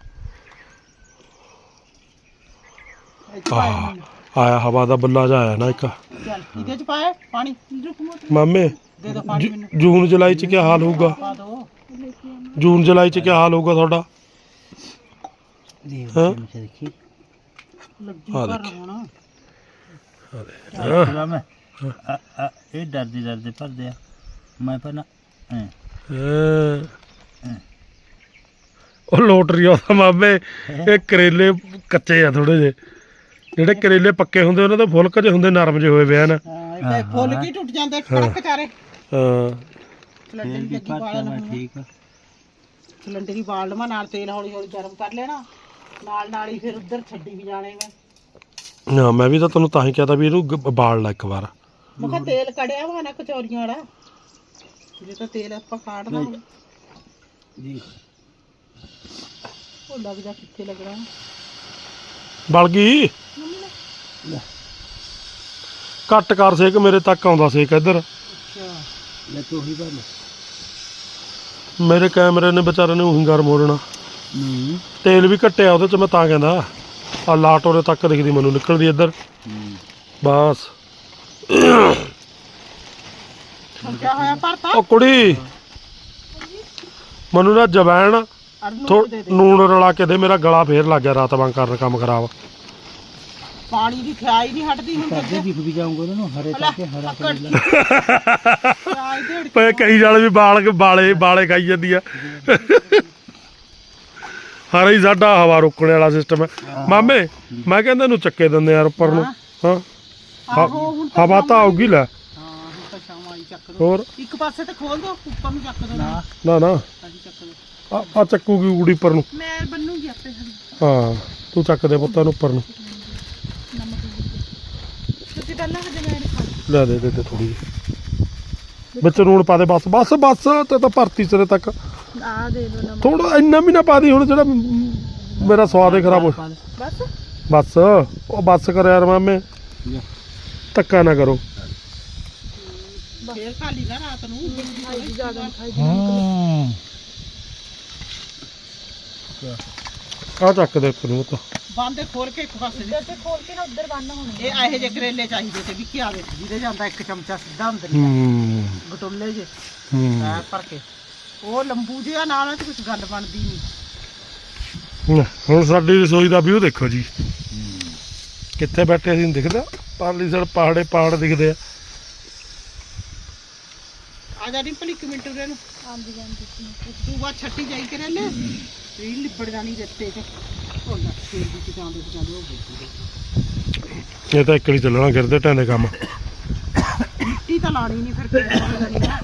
ਇਹ 'ਚ ਪਾਇਆ ਮੈਨੂੰ। ਆਇਆ ਹਵਾ ਦਾ ਬੱਲਾ ਜਿਹਾ ਆਇਆ ਨਾ ਇੱਕ ਚੱਲ ਇਹਦੇ ਚ ਪਾਇਆ ਪਾਣੀ ਮਾਮੇ ਦੇ ਦੋ ਪਾਣੀ ਮੈਨੂੰ ਜੂਨ ਜੁਲਾਈ 'ਚ ਕੀ ਹਾਲ ਹੋਊਗਾ ਪਾ ਦੋ ਜੂਨ ਜੁਲਾਈ 'ਚ ਕੀ ਹਾਲ ਹੋਊਗਾ ਤੁਹਾਡਾ ਦੇ ਹਾਂ। ਚਮਚ ਦੇਖੀ ਲੱਗੀ ਆ ਕਰ ਦੇਖੀ। ਹੁਣ ਚਲਾ ਮੈਂ ਆ- ਆ, ਇਹ ਡਰਦੇ ਡਰਦੇ ਭਰਦੇ ਆ ਮੈਂ ਪਹਿਲਾਂ ਐ ਹੈਂ। ਉਹ ਲੋਟਰੀ ਆਉਂਦਾ ਮਾਮੇ ਇਹ ਕਰੇਲੇ ਕੱਚੇ ਆ ਥੋੜੇ ਜਿਹੇ ਜਿਹੜੇ ਕਰੇਲੇ ਪੱਕੇ ਹੁੰਦੇ ਉਹਨਾਂ ਦੇ ਫੁਲਕ ਜਿਹੇ ਹੁੰਦੇ ਨਰਮ ਜਿਹੇ ਹੋਏ ਵੇ ਹਨ ਹਾਂ ਇਹ ਤਾਂ ਫੁੱਲ ਕੀ ਟੁੱਟ ਜਾਂਦੇ ਟਰੱਕ ਚਾਰੇ ਹਾਂ ਸਿਲੰਡਰ ਫੇਰ ਦੀ ਵੀ ਲੱਗੀ ਭਰਤਾ ਬਾਲਣ ਮੈਂ ਹੁਣ ਠੀਕ ਆ ਸਿਲੰਡਰ ਦੀ ਬਾਲ ਲਵਾਂ ਨਾਲ ਤੇਲ ਹੌਲੀ ਹੌਲੀ ਗਰਮ ਕਰ ਲੈਣਾ ਨਾਲ ਨਾਲ ਹੀ ਫਿਰ ਉੱਧਰ ਛੱਡੀ ਵੀ ਜਾਣੇ ਮੈਂ ਹਾਂ ਮੈਂ ਵੀ ਤਾਂ ਤੈਨੂੰ ਤਾਂ ਹੀ ਕਹਤਾ ਵੀ ਇਹਨੂੰ ਗ- ਬਾਲ ਲੈ ਇੱਕ ਵਾਰ ਮੈਂ ਕਿਹਾ ਤੇਲ ਕੜਿਆ ਵਾ ਨਾ ਕਚੌਰੀਆਂ ਵਾਲਾ ਜੇ ਤਾਂ ਤੇਲ ਆਪਾਂ ਕਾੜਨਾ ਹੁਣ ਜੀ ਉਹ ਲੱਗ ਜਾ ਕਿੱਥੇ ਲੱਗਣਾ ਬਲ ਗਈ ਲੈ ਘੱਟ ਕਰ ਸੇਕ ਮੇਰੇ ਤੱਕ ਆਉਂਦਾ ਸੇਕ ਇੱਧਰ ਅੱਛਾ ਲੈ ਤੂੰ ਹੀ ਬੰਨ ਮੇਰੇ ਕੈਮਰੇ ਨੇ ਵਿਚਾਰੇ ਨੇ ਉਹੀ ਗਰਮ ਹੋ ਜਾਣਾ ਨਹੀਂ ਤੇਲ ਵੀ ਘਟਿਆ ਉਹਦੇ ਚ ਮੈਂ ਤਾਂ ਕਹਿੰਦਾ ਆ ਲਾਟ ਉਹਦੇ ਤੱਕ ਦਿਖਦੀ ਮੈਨੂੰ ਨਿਕਲਦੀ ਇੱਧਰ ਬਸ ਹੁਣ ਕਿਆ ਹੋਇਆ ਭਰਤਾ ਉਹ ਕੁੜੀ ਮੈਨੂੰ ਨਾ ਜਵੈਣ ਅਰ ਥੋ ਨੂਣ ਦੇ ਦੇ ਨੂਣ ਰਲਾ ਕੇ ਦੇ ਮੇਰਾ ਗਲਾ ਫੇਰ ਲੱਗ ਗਿਆ ਰਾਤ ਵਾਂਗ ਕਰਨ ਕੰਮ ਖਰਾਬ ਪਾਣੀ ਦੀ ਖਿਆਈ ਨਹੀਂ ਹਟਦੀ ਹੁਣ ਕਰਦੇ ਦਿਖ ਵੀ ਜਾਊਂਗਾ ਉਹਨਾਂ ਨੂੰ ਹਰੇ ਕਰਕੇ ਹਰਾ ਪਕੜ ਕਰੇਲਾ ਖਿਆਈ ਢੇੜ ਪਏ ਕਈ ਜਾਲੇ ਵੀ ਬਾਲ ਬਾਲੇ ਬਾਲੇ ਖਾਈ ਜਾਂਦੀ ਆ ਹਰ ਹੀ ਸਾਡਾ ਹਵਾ ਰੋਕਣ ਵਾਲਾ ਸਿਸਟਮ ਹੈ ਮਾਮੇ ਮੈਂ ਕਹਿੰਦਾ ਇਹਨੂੰ ਚੱਕੇ ਦਿੰਦੇ ਯਾਰ ਉੱਪਰ ਨੂੰ ਹਾਂ ਆਹੋ ਹੁਣ ਤਾਂ ਹਵਾ ਤਾਂ ਆਉਗੀ ਲੈ ਹਾਂ ਹੁਣ ਤਾਂ ਸ਼ਾਮ ਆਈ ਚੱਕ ਦੋ ਹੋਰ ਇੱਕ ਪਾਸੇ ਤੇ ਖੋਲ ਦੋ ਉੱਪਰ ਨੂੰ ਚੱਕ ਦੋ ਨਾ ਨਾ ਨਾ ਹਾਂਜੀ ਚੱਕ ਦੋ ਆ ਆ ਚੱਕੂਗੀ ਊੜੀ ਉੱਪਰ ਨੂੰ ਮੈਂ ਬੰਨੂਗੀ ਆਪੇ ਹਰੀ ਹਾਂ ਤੂੰ ਚੱਕ ਦੇ ਪੁੱਤਾਂ ਨੂੰ ਉੱਪਰ ਨੂੰ ਤੁਸੀਂ ਪਹਿਲਾਂ ਹਜੇ ਮੈਂ ਖਾ ਲੈ ਦੇ ਦੇ ਦੇ ਥੋੜੀ ਜਿਹੀ ਵਿੱਚ ਨੂਣ ਪਾ ਦੇ ਬਸ ਬਸ ਬਸ ਤੇ ਤਾਂ ਭਰਤੀ ਸਿਰੇ ਤੱਕ ਆ ਦੇ ਦੋ ਨਮਕ ਥੋੜਾ ਇੰਨਾ ਵੀ ਨਾ ਪਾ ਦੀ ਹੁਣ ਜਿਹੜਾ ਮ- ਮੇਰਾ ਸਵਾਦ ਹੀ ਖਰਾਬ ਹੋ ਬਸ ਬਸ ਉਹ ਬਸ ਕਰ ਯਾਰ ਮਾਮੇ ਧੱਕਾ ਨਾ ਕਰੋ ਫੇਰ ਖਾ ਲਈ ਨਾ ਰਾਤ ਨੂੰ ਖਾਈ ਜ਼ਿਆਦਾ ਖਾਈ ਹਾਂ ਆ ਚੱਕ ਦੇ ਉੱਪਰ ਨੂੰ ਤਾਂ ਬੰਦੇ ਖੋਲ ਕੇ ਇੱਕ ਪਾਸੇ ਦੇ ਤੇ ਖੋਲ ਕੇ ਨਾ ਉੱਧਰ ਬੰਨ ਹੋਣੇ ਇਹ ਇਹੋ ਜਿਹੇ ਕਰੇਲੇ ਚਾਹੀਦੇ ਤੇ ਵੀ ਕੀ ਆਵੇ ਜਿਹਦੇ ਜਾਂਦਾ ਇੱਕ ਚਮਚਾ ਸਿੱਧਾ ਅੰਦਰ ਹੀ ਹੂੰ ਗਟੋਲੇ ਜੇ ਹੂੰ ਐ ਭਰ ਕੇ ਉਹ ਲੰਬੂ ਜਿਹਾ ਨਾਲ ਤੇ ਕੁਝ ਗੱਲ ਬਣਦੀ ਨਹੀਂ ਹੁਣ ਸਾਡੀ ਰਸੋਈ ਦਾ ਵਿਊ ਦੇਖੋ ਜੀ ਕਿੱਥੇ ਬੈਠੇ ਅਸੀਂ ਦਿਖਦਾ ਪਾਰਲੀ ਸਾਈਡ ਪਹਾੜੇ ਪਹਾੜ ਦਿਖਦੇ ਆ ਆ ਜਾ ਡਿੰਪਲ ਇੱਕ ਮਿੰਟ ਉਰੇ ਨੂੰ ਆਂਦੀ ਜਾਂਦੀ ਤੂੰ ਬਾਅਦ ਛੱਟੀ ਜਾਈ ਕਰੇਲੇ ਰੀਲ ਲਿਬੜ ਜਾਣੀ ਰੱਤੇ ਚ ਉਹ ਨਾ ਤੇਲ ਦੀ ਚਕਾਉਂਦੇ ਚਕਾਉਂਦੇ ਉਹ ਬੁੱਝੀ ਇਹ ਤਾਂ ਇੱਕ ਨਹੀਂ ਚੱਲਣਾ ਗਿਰਦੇ ਢਾਂਦੇ ਕੰਮ ਮਿੱਟੀ ਤਾਂ ਲਾਣੀ ਨਹੀਂ ਫਿਰ ਕਿਵੇਂ ਕਰਨੀ ਨਾ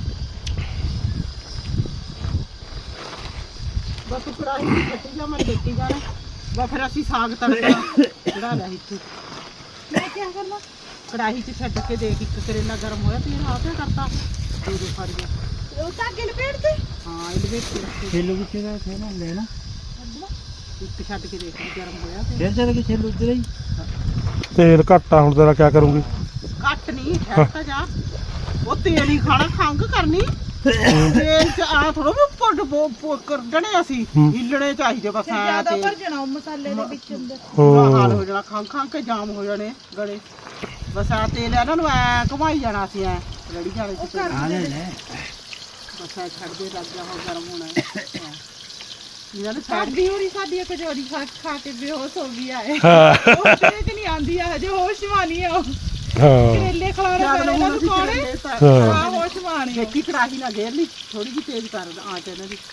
ਬਸ ਤੂੰ ਕੜਾਹੀ ਦੀ ਛੱਟੀ ਜਾ ਮੈਂ ਦੇਖੀ ਜਾਣਾ ਬਸ ਫਿਰ ਅਸੀਂ ਸਾਗ ਤੜਕਾ ਚੜਾ ਲਿਆ ਇੱਥੇ ਮੈਂ ਕੀ ਕਰਨਾ ਕੜਾਹੀ 'ਚ ਛੱਡ ਕੇ ਦੇਖ ਇੱਕ ਕਰੇਲਾ ਗਰਮ ਹੋਇਆ ਤੇ ਆਹ ਕਿਆ ਕਰਤਾ ਦੋ ਦੋ ਫਾੜੀਆਂ ਉਹ ਧਾਗੇ ਲਪੇਟ ਦੇ ਹਾਂ ਇਹਦੇ ਵਿੱਚ ਰੱਖ ਕੇ ਛੇਲੂ ਕਿੱਥੇ ਦਾ ਥੇ ਨਾ ਲੈ ਨਾ ਇੱਕ ਛੱਡ ਕੇ ਦੇਖ ਵੀ ਗਰਮ ਹੋਇਆ ਤੇ ਫਿਰ ਚੱਲ ਕੇ ਛੇਲੂ ਉਧਰ ਹੀ ਤੇਲ ਘੱਟ ਆ ਹੁਣ ਤੇਰਾ ਕਿਆ ਕਰੂੰਗੀ ਘੱਟ ਨਹੀਂ ਠਹਿਰ ਤਾਂ ਜਾ ਉਹ ਤੇਲ ਹੀ ਖਾਣਾ ਖੰਗ ਕਰਨੀ ਤੇਲ 'ਚ ਆ ਥੋੜਾ ਵੀ ਪੁੱਟ ਕੱਢਣੇ ਅਸੀਂ ਹੂੰ। ਹਿੱਲਣੇ ਚਾਹੀਦੇ ਬਸ ਤੇ ਐਂ ਜ਼ਿਆਦਾ ਤੇਲ। ਭਰ ਜਾਣਾ ਉਹ ਮਸਾਲੇ ਦੇ ਵਿੱਚ ਅੰਦਰ ਬੁਰਾ ਹਾਲ ਹੋ ਜਾਣਾ ਖੰਗ ਖੰਗ ਕੇ ਜਾਮ ਹੋ ਜਾਣੇ ਗਲੇ ਬਸ ਆ ਤੇਲ ਇਹਨਾਂ ਨੂੰ ਐ ਘੁਮਾਈ ਜਾਣਾ ਅਸੀਂ ਐ ਰੜੀ ਜਾਣੇ ਉਹ ਚ ਕਰ ਆ ਲੈ ਦੇ ਲੈ ਬਸ ਐ ਛੱਡ ਦੇ ਲੱਗ ਜਾ ਹੋ ਗਰਮ ਹੋਣਾ ਹਾਂ। ਇਹਨਾਂ ਨੇ ਸਾਈਡ ਸਾਡੀ ਹੋਰੀ ਸਾਡੀ ਇੱਕ ਕਚੌਰੀ ਖਾ ਖਾ ਕੇ ਬੇਹੋਸ਼ ਹੋ ਗਈ ਆਏ ਹਾਂ ਉਹ ਤੇਰੇ ਤੇ ਨਹੀਂ ਆਂਦੀ ਆ ਹਜੇ ਹੋਸ਼ ਮਾਨੀ ਆ ਉਹ ਹਾਂ ਕਰੇਲੇ ਖਲਾਰੇ ਪੈਣੇ ਨਾ ਕੋਣੇ ਹਾਂ। ਆ ਹੋਸ਼ ਮਾਨੀ ਆ। ਦੇਖੀ ਕੜਾਹੀ ਨਾ ਗੇਰ ਲਈ ਥੋੜੀ ਜਿਹੀ ਤੇਜ਼ ਕਰ ਆਂਚ ਇਹਨਾਂ ਦੀ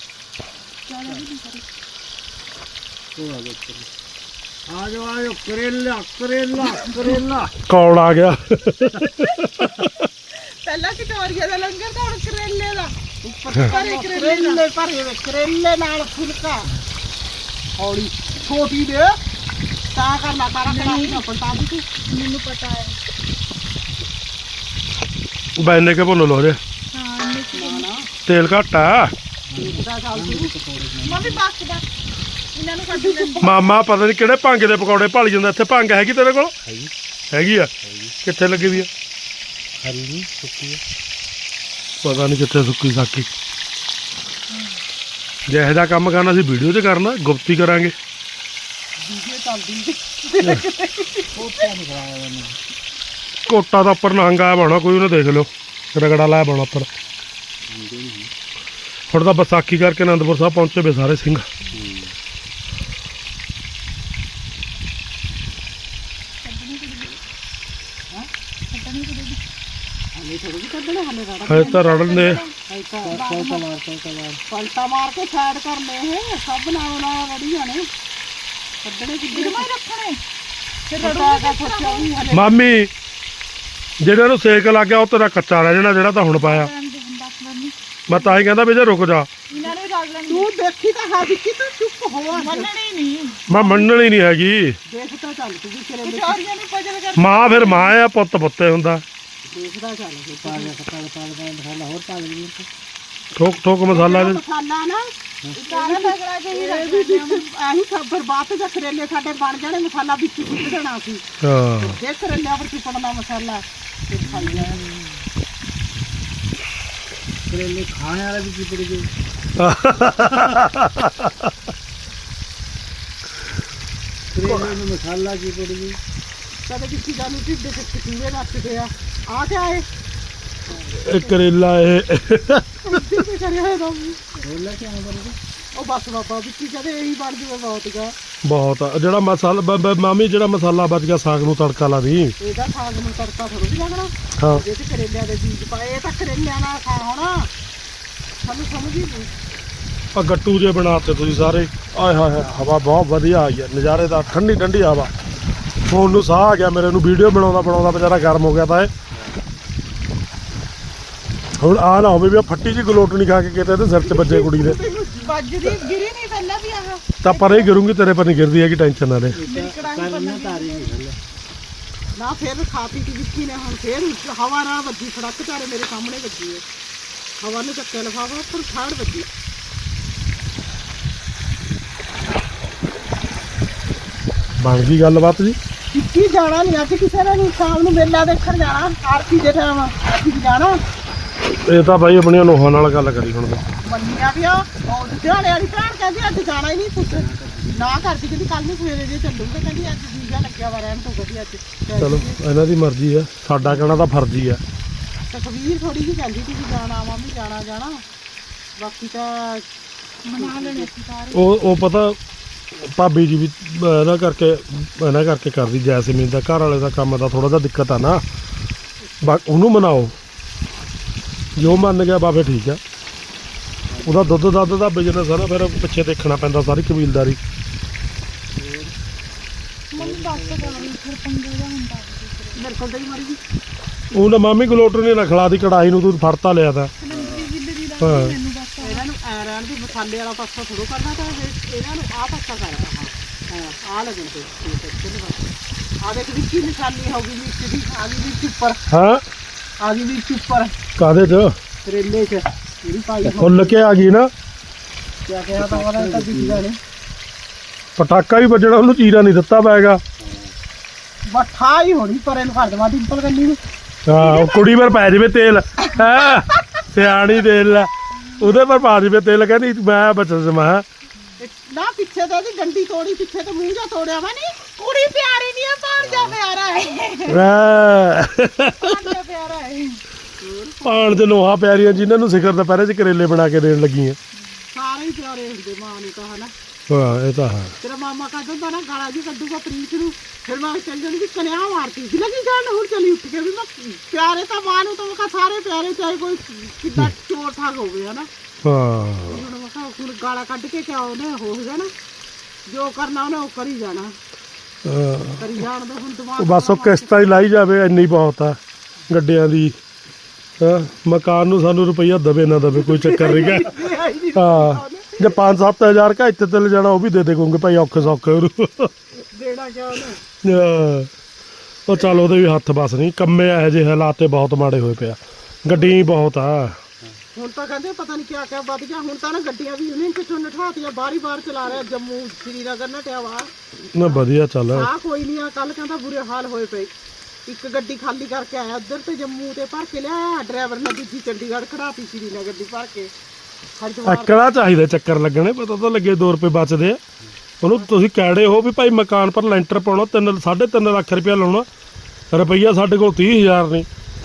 ਉਹ ਆ ਜਾ ਆ ਜਾ ਆ ਜਾ ਕਰੇਲਾ ਕਰੇਲਾ ਕਰੇਲਾ ਕੌਣ ਆ ਗਿਆ ਪਹਿਲਾਂ ਕਚੌਰੀਆਂ ਦਾ ਲੰਗਰ ਤਾਂ ਹੁਣ ਕਰੇਲੇ ਦਾ ਉੱਪਰ ਭਰੇ ਕਰੇਲੇ ਨਾਲ। ਕਰੇਲੇ ਭਰੇ ਹੋਏ, ਕਰੇਲੇ ਨਾਲ ਫੁਲਕਾ ਹੌਲੀ ਛੋਟੀ ਦੇ ਤਾਂ ਕਰਨਾ ਤਾਰਾ ਕੜਾਹੀ ਨਾ ਪਲਟਾ ਦੀ ਤੂੰ ਮੈਨੂੰ ਪਤਾ ਹੈ ਬੈਨੇ ਕੇ ਭੁੱਲ ਲੋ ਜੇ ਹਾਂ ਮਿਕਸ ਨਾ ਨਾ ਤੇਲ ਘੱਟ ਆ ਦੇਖਦਾ ਚੱਲ ਤੂੰ ਮੰਮੀ ਬਸ ਬਸ ਇਹਨਾਂ ਨੂੰ ਕੱਢ ਦੇ ਮਾਮਾ ਪਤਾ ਨਹੀਂ ਕਿਹੜੇ ਭੰਗ ਦੇ ਪਕੌੜੇ ਭਾਲੀ ਜਾਂਦਾ ਇੱਥੇ ਭੰਗ ਹੈਗੀ ਤੇਰੇ ਕੋਲ ਹੈਗੀ ਆ ਕਿੱਥੇ ਲੱਗੀ ਵੀ ਆ ਹਰੀ ਨਹੀਂ ਸੁੱਕੀ ਪਤਾ ਨਹੀਂ ਕਿੱਥੇ ਸੁੱਕੀ ਸਾਕੀ ਜੇ ਇਹੋ ਜਿਹਾ ਕੰਮ ਕਰਨਾ ਸੀ ਵੀਡੀਓ 'ਚ ਕਰਨਾ ਗੁਪਤੀ ਕਰਾਂਗੇ ਵੀਡੀਓ ਚੱਲਦੀ ਕੋਟਾ ਨਹੀਂ ਖਰਾਇਆ ਉਹਨੇ ਕੋਟਾ ਦਾ ਉੱਪਰ ਨਹੰਗ ਆਇਆ ਬਾਣਾ ਕੋਈ ਉਹਨੇ ਦੇਖ ਲਿਓ ਰਗੜਾ ਲਾਇਆ ਬਾਣਾ ਉੱਪਰ ਹੁਣ ਤਾਂ ਵਿਸਾਖੀ ਕਰਕੇ ਅਨੰਦਪੁਰ ਸਾਹਿਬ ਪਹੁੰਚੇ ਵੇ ਸਾਰੇ ਸਿੰਘ ਹਲੇ ਥੋੜੀ ਜਿਹੀ ਕੱਢਣੇ ਹਲੇ ਰਾੜਾ ਹਜੇ ਤਾਂ ਰੜਨ ਦੇ ਹਲੇ ਤਾਂ ਕੋਟਾ ਮਾਰ ਕੋਟਾ ਮਾਰ ਪਲਟਾ ਮਾਰ ਕੇ ਸਾਈਡ ਕਰਨੇ ਇਹ ਸਭ ਨਾਲ ਨਾਲ ਰੜੀ ਜਾਣੇ ਕੱਢਣੇ ਕਿੱਧਰ ਮੈਂ ਰੱਖਣੇ ਫਿਰ ਰੜਾ ਦਾ ਸੋਚਿਆ ਵੀ ਹਲੇ ਮਾਮੀ ਜਿਹੜਾ ਨੂੰ ਸੇਕ ਲੱਗ ਗਿਆ ਉਹ ਤੇਰਾ ਕੱਚਾ ਰਹਿ ਜਾਣਾ ਜਿਹੜਾ ਤਾਂ ਹੁਣ ਪਾਇਆ ਬਸ ਮੰਮੀ ਮੈਂ ਤਾਂ ਹੀ ਕਹਿੰਦਾ ਵੀ ਜੇ ਰੁਕ ਜਾ ਇਹਨਾਂ ਨੂੰ ਰਲ ਲੈਣ ਤੂੰ ਦੇਖੀ ਤਾਂ ਹੈ ਵਿੱਕੀ ਤੂੰ ਚੁੱਪ ਹੋਆ ਮੰਨਣੀ ਨਹੀਂ ਮੈਂ ਮੰਨਣੀ ਨਹੀਂ ਹੈਗੀ ਦੇਖਦਾ ਚੱਲ ਤੂੰ ਵੀ ਕਰੇਲੇ ਕਚੌਰੀਆਂ ਨੂੰ ਪਜਲ ਕਰ ਮਾਂ ਫਿਰ ਮਾਂ ਆ ਪੁੱਤ ਪੁੱਤੇ ਹੁੰਦਾ ਦੇਖਦਾ ਚੱਲ ਫਿਰ ਪਾ ਲੈ ਪਾ ਲੈ ਪਾ ਲੈ ਪਾ ਲੈ ਹੋਰ ਪਾ ਲੈ ਠੋਕ ਠੋਕ ਮਸਾਲਾ ਜਿਹੜਾ ਇਹਦੇ- ਮਸਾਲਾ ਨਾ ਸਾਰਾ ਤਗੜਾ ਕੇ ਹੀ ਇਹ ਰੱਖ ਵੀ ਲੈਂਦੇ ਵਿੱਚ ਆਹੀ ਖਬਰ ਬਾਤ ਜਾਂ ਕਰੇਲੇ ਸਾਡੇ ਬਣ ਜਾਣੇ ਮਸਾਲਾ ਵਿੱਚ ਸੁੱਟ ਦੇਣਾ ਸੀ ਹਾਂ ਜੇ ਕਰੇਲਿਆਂ ਪਰ ਚਿਪੜਨਾ ਮਸਾਲਾ ਤੇ ਖਾਈ ਜਾਣਾ ਕਰੇਲੇ ਖਾਣੇ ਵਾਲੇ ਵੀ ਚਿਪੜ ਗਏ ਕਰੇਲੇ ਨੂੰ ਮਸਾਲਾ ਚਿਪੜ ਗਈ ਕਦੇ ਕਿਸੇ ਗੱਲ ਨੂੰ ਢਿੱਡ ਤੇ ਚਕੀਰੇ ਨੱਚਦੇ ਆ ਆ ਕੇ ਆਏ ਇਹ ਕਰੇਲਾ ਇਹ ਉੱਤੇ ਤੇ ਕਰਿਆ ਹੋਇਆ ਤਾਂ ਬੋਲਾ ਕਿਆ ਬਰਦੇ ਉਹ ਬਸ ਬਾਬਾ ਵਿੱਕੀ ਕਹਿੰਦੇ ਇਹੀ ਬਣ ਜੂਗਾ ਬਹੁਤ ਗਾ ਬਹੁਤ ਆ। ਜਿਹੜਾ ਮਸਾਲਾ ਬ- ਬ- ਮਾਮੀ ਜਿਹੜਾ ਮਸਾਲਾ ਬਚ ਗਿਆ ਸਾਗ ਨੂੰ ਤੜਕਾ ਲਾ ਦੀ ਇਹਦਾ ਸਾਗ ਨੂੰ ਤੜਕਾ ਥੋੜੀ ਲੱਗਣਾ ਹਾਂ ਜੇ ਤੇ ਕਰੇਲਿਆਂ ਦੇ ਬੀਜ ਪਾਏ ਇਹ ਤਾਂ ਕਰੇਲਿਆਂ ਨਾਲ ਖਾ ਹੋਣਾ ਸਾਨੂੰ ਸਮਝ ਹੀ ਨਹੀਂ ਆ ਗੱਟੂ ਜੇ ਬਣਾਤੇ ਤੁਸੀਂ ਸਾਰੇ ਆਏ ਹਾਏ ਹਾਏ ਹਵਾ ਬਹੁਤ ਵਧੀਆ ਆਈ ਹੈ ਨਜ਼ਾਰੇ ਦਾ ਠੰਡੀ ਠੰਡੀ ਹਵਾ ਫੋਨ ਨੂੰ ਸਾਹ ਆ ਗਿਆ ਮੇਰੇ ਨੂੰ ਵੀਡੀਓ ਬਣਾਉਂਦਾ ਬਣਾਉਂਦਾ ਵਿਚਾਰਾ ਗਰਮ ਹੋ ਗਿਆ ਤਾਂ ਇਹ ਹੁਣ ਆ ਨਾ ਹੋਵੇ ਵੀ ਆ ਫੱਟੀ ਜੀ ਗਲੋਟਣੀ ਖਾ ਕੇ ਕਿਤੇ ਇਹਦੇ ਸਿਰ 'ਚ ਵੱਜੇ ਕੁੜੀ ਦੇ ਵੱਜਦੀ ਗਿਰੀ ਨਹੀਂ ਪਹਿਲਾਂ ਵੀ ਆਹ ਤਾਂ ਪਰ ਇਹ ਗਿਰੂੰਗੀ ਤੇਰੇ ਪਰ ਨਹੀਂ ਗਿਰਦੀ ਹੈਗੀ ਟੈਨਸ਼ਨ ਨਾ ਲੈ ਮੇਰੀ ਕੜਾਹੀ ਕਰਨਾ ਬੰਨ੍ਹਣੀ ਤਾਰੀ ਨਹੀਂ ਗੱਲ ਨਾ ਫਿਰ ਖਾ ਪੀ ਕੇ ਵਿੱਕੀ ਨੇ ਹੁਣ ਫਿਰ ਉਸ ਹਵਾ ਨਾਲ ਵੱਜੀ ਸੜਕ ਚਾਰੇ ਮੇਰੇ ਸਾਹਮਣੇ ਵੱਜੀ ਹੈ ਹਵਾ ਨੇ ਚੱਕਿਆ ਲਫਾਫਾ ਉੱਪਰ ਫਾੜ ਵੱਜੀ ਬਣ ਗਈ ਗੱਲਬਾਤ ਜੀ ਵਿੱਕੀ ਜਾਣਾ ਨਹੀਂ ਅੱਜ ਕਿਸੇ ਨੇ ਨਹੀਂ ਸ਼ਾਮ ਨੂੰ ਮੇਲਾ ਦੇਖਣ ਜਾਣਾ ਆਰਤੀ ਦੇ ਟਾਈਮ ਅਸੀਂ ਜਾਣਾ ਇਹ ਤਾਂ ਬਾਈ ਆਪਣੀਆਂ ਨੋਹਾਂ ਨਾਲ ਗੱਲ ਕਰੀ ਹੁਣ ਤਾਂ ਮੰਨੀਆਂ ਵੀ ਆ ਉਹ ਲੁਧਿਆਣੇ ਵਾਲੀ ਭੈਣ ਕਹਿੰਦੀ ਅੱਜ ਜਾਣਾ ਹੀ ਨਹੀਂ ਪੁੱਤ ਨਾ ਕਰਦੀ ਕਹਿੰਦੀ ਕੱਲ ਨੂੰ ਸਵੇਰੇ ਜੇ ਚੱਲੂਗਾ ਕਹਿੰਦੀ ਅੱਜ ਵੀਜ਼ਾ ਲੱਗਿਆ ਵਾ ਰਹਿਣ ਤੋਂ ਕਹਿੰਦੀ ਅੱਜ ਚਲੋ ਇਹਨਾਂ ਦੀ ਮਰਜ਼ੀ ਆ ਸਾਡਾ ਕਹਿਣਾ ਤਾਂ ਫਰਜ਼ੀ ਆ ਤਕਵੀਰ ਥੋੜੀ ਜਿਹੀ ਕਹਿੰਦੀ ਸੀ ਵੀ ਜਾਣਾ ਮੰਮੀ ਜਾਣਾ ਜਾਣਾ ਬਾਕੀ ਤਾਂ ਮਨਾ ਲੈਣੇ ਸੀ ਸਾਰੇ ਉਹ ਉਹ ਪਤਾ ਭਾਬੀ ਜੀ ਵੀ ਇਹਨਾਂ ਕਰਕੇ ਇਹਨਾਂ ਕਰਕੇ ਕਰਦੀ ਜੈਸਮੀਨ ਦਾ ਘਰ ਵਾਲੇ ਦਾ ਕੰਮ ਦਾ ਥੋੜਾ ਜਿਹਾ ਦਿੱਕਤ ਆ ਨਾ ਬਾ ਉਹਨੂੰ ਮਨਾਓ ਜੋ ਮੰਨ ਗਿਆ ਬਾਬੇ ਠੀਕ ਆ ਉਹਦਾ ਦੁੱਧ ਦੱਧ ਦਾ ਬਿਜ਼ਨਸ ਆ ਨਾ ਫਿਰ ਪਿੱਛੇ ਦੇਖਣਾ ਪੈਂਦਾ ਸਾਰੀ ਕਬੀਲਦਾਰੀ ਮੰਮੀ ਬੱਸ ਕਰਾਂਗੀ ਫਿਰ ਪੰਗੇ ਦਾ ਹੁੰਦਾ ਮੇਰੇ ਕੋਲ ਤਾਂ ਹੀ ਮਰ ਗਈ ਉਹ ਨਾ ਮਾਮੀ ਗਲੋਟਰ ਨੇ ਰਖਲਾ ਦੀ ਕੜਾਈ ਨੂੰ ਤੂੰ ਫੜਤਾ ਲਿਆ ਤਾਂ ਸਿਲੰਡਰੀ ਜਿੱਦ ਦੀ ਦਾ ਹਾਂ। ਮੈਨੂੰ ਬੱਸ ਇਹਨਾਂ ਨੂੰ ਐ ਰਹਿਣ ਦੀ ਮਸਾਲੇ ਵਾਲਾ ਪਾਸਾ ਥੋੜੋ ਕਰਨਾ ਤਾਂ ਇਹ- ਇਹਨਾਂ ਨੂੰ ਆਹ ਪਾਸਾ ਕਰਨਾ ਹਾਂ ਹਾਂ ਆ ਲੱਗਣ ਤੇ ਠੀਕ ਹੈ ਚਲੋ ਬਸ ਆ ਦੇਖ ਵਿੱਕੀ ਨਿਸ਼ਾਨੀ ਹੋ ਗਈ ਵਿੱਚ ਦੀ ਆ ਗਈ ਵਿੱਚ ਉੱਪਰ ਹਾਂ ਆ ਗਈ ਵਿੱਚ ਉੱਪਰ ਕਾਦੇ ਚ ਕਰੇਲੇ ਚ ਜਿਹੜੀ ਪਾਈ ਹੋ ਫੁੱਲ ਕੇ ਆ ਗਈ ਨਾ ਕਿਆ ਕਿਹਾ ਤਾਂ ਉਹਦਾ ਤਾਂ ਦਿਖਦਾ ਨਹੀਂ ਪਟਾਕਾ ਵੀ ਵੱਜਣਾ ਉਹਨੂੰ ਚੀਰਾ ਨਹੀਂ ਦਿੱਤਾ ਪੈਗਾ ਬੱਠਾ ਹੀ ਹੋਣੀ ਪਰ ਇਹਨੂੰ ਫੜ ਦਵਾ ਡਿੰਪਲ ਕੰਨੀ ਨੂੰ ਹਾਂ ਉਹ ਕੁੜੀ ਪਰ ਪੈ ਜਾਵੇ ਤੇਲ ਹੈ ਸਿਆਣੀ ਤੇਲ ਲੈ ਉਹਦੇ ਪਰ ਪਾ ਜਾਵੇ ਤੇਲ ਕਹਿੰਦੀ ਮੈਂ ਬਚਨ ਸਮਾ ਇਹ ਨਾ ਪਿੱਛੇ ਤੇ ਇਹਦੀ ਡੰਡੀ ਤੋੜੀ ਪਿੱਛੇ ਤੇ ਮੂੰਹ ਜਾ ਤੋੜਿਆ ਵਾ ਨਹੀਂ ਕੁੜੀ ਪਿਆਰੀ ਨਹੀਂ ਆ ਪਾਣ ਜਾ ਪਿਆਰਾ ਹੈ ਪਾਣ ਜਾ ਪਿਆਰਾ ਹੈ ਪਾਣ ਦੇ ਲੋਹਾ ਪਿਆਰੀਆਂ ਜਿਨ੍ਹਾਂ ਨੂੰ ਸਿਖਰ ਦੁਪਹਿਰੇ ਚ ਕਰੇਲੇ ਬਣਾ ਕੇ ਦੇਣ ਲੱਗੀਆਂ ਸਾਰੇ ਹੀ ਪਿਆਰੇ ਹੁੰਦੇ ਮਾਂ ਨੂੰ ਤਾਂ ਹਨਾ ਹਾਂ ਇਹ ਤਾਂ ਹੈ ਤੇਰਾ ਮਾਮਾ ਕਹਿੰਦਾ ਹੁੰਦਾ ਨਾ ਗਾਲਾਂ ਜੀ ਕੱਢੂਗਾ ਪ੍ਰੀਤ ਨੂੰ ਫਿਰ ਮੈਂ ਚੱਲ ਜਾਂਦੀ ਵੀ ਕਨਿਆ ਮਾਰਤੀ ਸੀ ਲੱਗੀ ਜਾਣ ਹੁਣ ਚਲੀ ਉੱਠ ਕੇ ਵੀ ਮੈਂ ਪਿਆਰੇ ਤਾਂ ਮਾਂ ਨੂੰ ਤਾਂ ਮੈਂ ਕਿਹਾ ਸਾਰੇ ਪਿਆਰੇ ਚਾਹੇ ਕੋਈ ਕਿੱਦਾਂ ਚੋਰ ਠੱਗ ਹੋਵੇ ਹਨਾ ਹਾਂ ਹੁਣ ਮੈਂ ਕਿਹਾ ਹੁਣ ਗਾਲਾਂ ਕੱਢ ਕੇ ਕਿਆ ਉਹਨੇ ਹੋ ਗਿਆ ਨਾ ਜੋ ਕਰਨਾ ਉਹਨੇ ਉਹ ਕਰੀ ਜਾਣਾ ਹਾਂ। ਕਰੀ ਜਾਣ ਦਾ ਹੁਣ ਉਹ ਦਿਮਾਗ ਬਸ ਉਹ ਕਿਸ਼ਤਾਂ ਹੀ ਲਾਈ ਜਾਵੇ ਇੰਨੀ ਬਹੁਤ ਆ ਗੱਡੀਆਂ ਦੀ ਹਾਂ ਮਕਾਨ ਨੂੰ ਸਾਨੂੰ ਰੁਪਈਆ ਦਵੇ ਨਾ ਦਵੇ ਕੋਈ ਚੱਕਰ ਨਹੀਂ ਗਾ ਹਾਂ ਜੇ ਪੰਜ ਸੱਤ ਹਜ਼ਾਰ ਕਾ ਇੱਥੇ ਤੇ ਲੈ ਜਾਣਾ ਉਹ ਵੀ ਦੇ ਦੇ ਕਹੂੰਗੇ ਭਾਈ ਔਖੇ ਸੌਖੇ ਉਹਨੂੰ ਦੇਣਾ ਕਿਆ ਉਹਨੇ ਹਾਂ। ਉਹ ਚੱਲ ਉਹਦੇ ਵੀ ਹੱਥ ਬਸ ਨਹੀਂ ਕੰਮੇ ਇਹੋ ਜਿਹੇ ਹਾਲਾਤ ਤੇ ਬਹੁਤ ਮਾੜੇ ਹੋਏ ਪਿਆ ਗੱਡੀਆਂ ਹੀ ਬਹੁਤ ਆ ਹੁਣ ਤਾਂ ਕਹਿੰਦੇ ਪਤਾ ਨਹੀਂ ਕਿਆ ਕਿਆ ਵੱਧ ਗਿਆ ਹੁਣ ਤਾਂ ਨਾ ਗੱਡੀਆਂ ਵੀ ਉਹਨੇ ਪਿੱਛੋਂ ਨਠਾਤੀਆਂ ਬਾਰੀ ਬਾਰ ਚਲਾ ਰਿਹਾ ਜੰਮੂ ਸ਼੍ਰੀਨਗਰ ਨਟਿਆ ਵਾ ਨਾ ਵਧੀਆ ਚੱਲ ਆ ਕੋਈ ਨਹੀਂ ਆ ਕੱਲ ਕਹਿੰਦਾ ਬੁਰੇ ਹਾਲ ਹੋਏ ਪਏ ਇੱਕ ਗੱਡੀ ਖਾਲੀ ਕਰਕੇ ਆਇਆ ਉੱਧਰ ਤੇ ਜੰਮੂ ਤੇ ਭਰ ਕੇ ਲਿਆਇਆ ਡਰਾਈਵਰ ਨੇ ਦੂਜੀ ਚੰਡੀਗੜ੍ਹ ਖੜਾਤੀ ਸ਼੍ਰੀਨਗਰ ਦੀ ਭਰ ਕੇ ਹਰਿਦੁਆਰ ਅਕੜਾ ਚਾਹੀਦਾ ਚੱਕਰ ਲੱਗਣੇ ਪਤਾ ਤਾਂ ਲੱਗੇ ਦੋ ਰੁਪਏ ਬਚਦੇ ਆ ਉਹਨੂੰ ਤੁਸੀਂ ਕਹਿੜੇ ਹੋ ਵੀ ਭਾਈ ਮਕਾਨ ਪਰ ਲੈਂਟਰ ਪਾਉਣਾ ਤਿੰਨ ਸਾਢੇ ਤਿੰਨ ਲੱਖ ਰੁਪਇਆ ਲਾਉਣਾ ਰੁਪਈਆ ਸਾਡੇ ਕੋਲ ਤੀਹ ਹਜ਼ਾਰ ਨਹੀਂ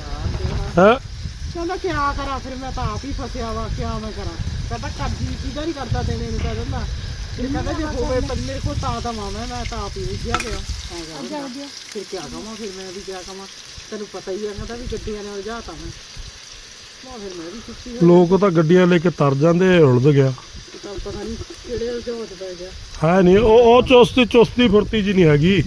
ਹੈ ਕਹਿੰਦਾ ਕਿਆ ਕਰਾਂ ਫਿਰ ਮੈਂ ਤਾਂ ਆਪ ਹੀ ਫਸਿਆ ਵਾ ਕਿਆ ਮੈਂ ਕਰਾਂ ਕਹਿੰਦਾ ਕਰਜ਼ੀ ਕਿਹਦਾ ਨਹੀਂ ਕਰਦਾ ਦੇਣੇ ਨੂੰ ਕਹਿ ਦਿੰਦਾ ਫਿਰ ਕਹਿੰਦਾ ਜੇ ਹੋਵੇ ਪਰ ਮੇਰੇ ਕੋਲ ਤਾਂ ਤਾਂ ਮਾਮਾ ਮੈਂ ਤਾਂ ਆਪ ਹੀ ਉੱਜਿਆ ਪਿਆ ਐਂ ਕਹਿੰਦਾ ਫਿਰ ਕਿਆ ਕਵਾਂ ਫਿਰ ਮੈਂ ਵੀ ਕਿਆ ਕਵਾਂ ਤੈਨੂੰ ਪਤਾ ਹੀ ਆ ਕਹਿੰਦਾ ਵੀ ਗੱਡੀਆਂ ਨੇ ਉਲਝਾਤਾ ਮੈਂ ਮੈਂ ਫਿਰ ਮੈਂ ਵੀ ਸੁੱਤੀ ਹੋਈ ਲੋਕ ਤਾਂ ਗੱਡੀਆਂ ਲੈ ਕੇ ਤਰ ਜਾਂਦੇ ਉਲਝ ਗਿਆ ਚੱਲ ਪਤਾ ਨਹੀਂ ਕਿਹੜੇ ਉਲਝਾਉਤ ਪੈ ਗਿਆ ਹੈ ਨਹੀਂ ਉਹ ਉਹ ਚੁਸਤੀ ਚੁਸਤੀ ਫੁਰਤੀ ਜੀ ਨਹੀਂ ਹੈਗੀ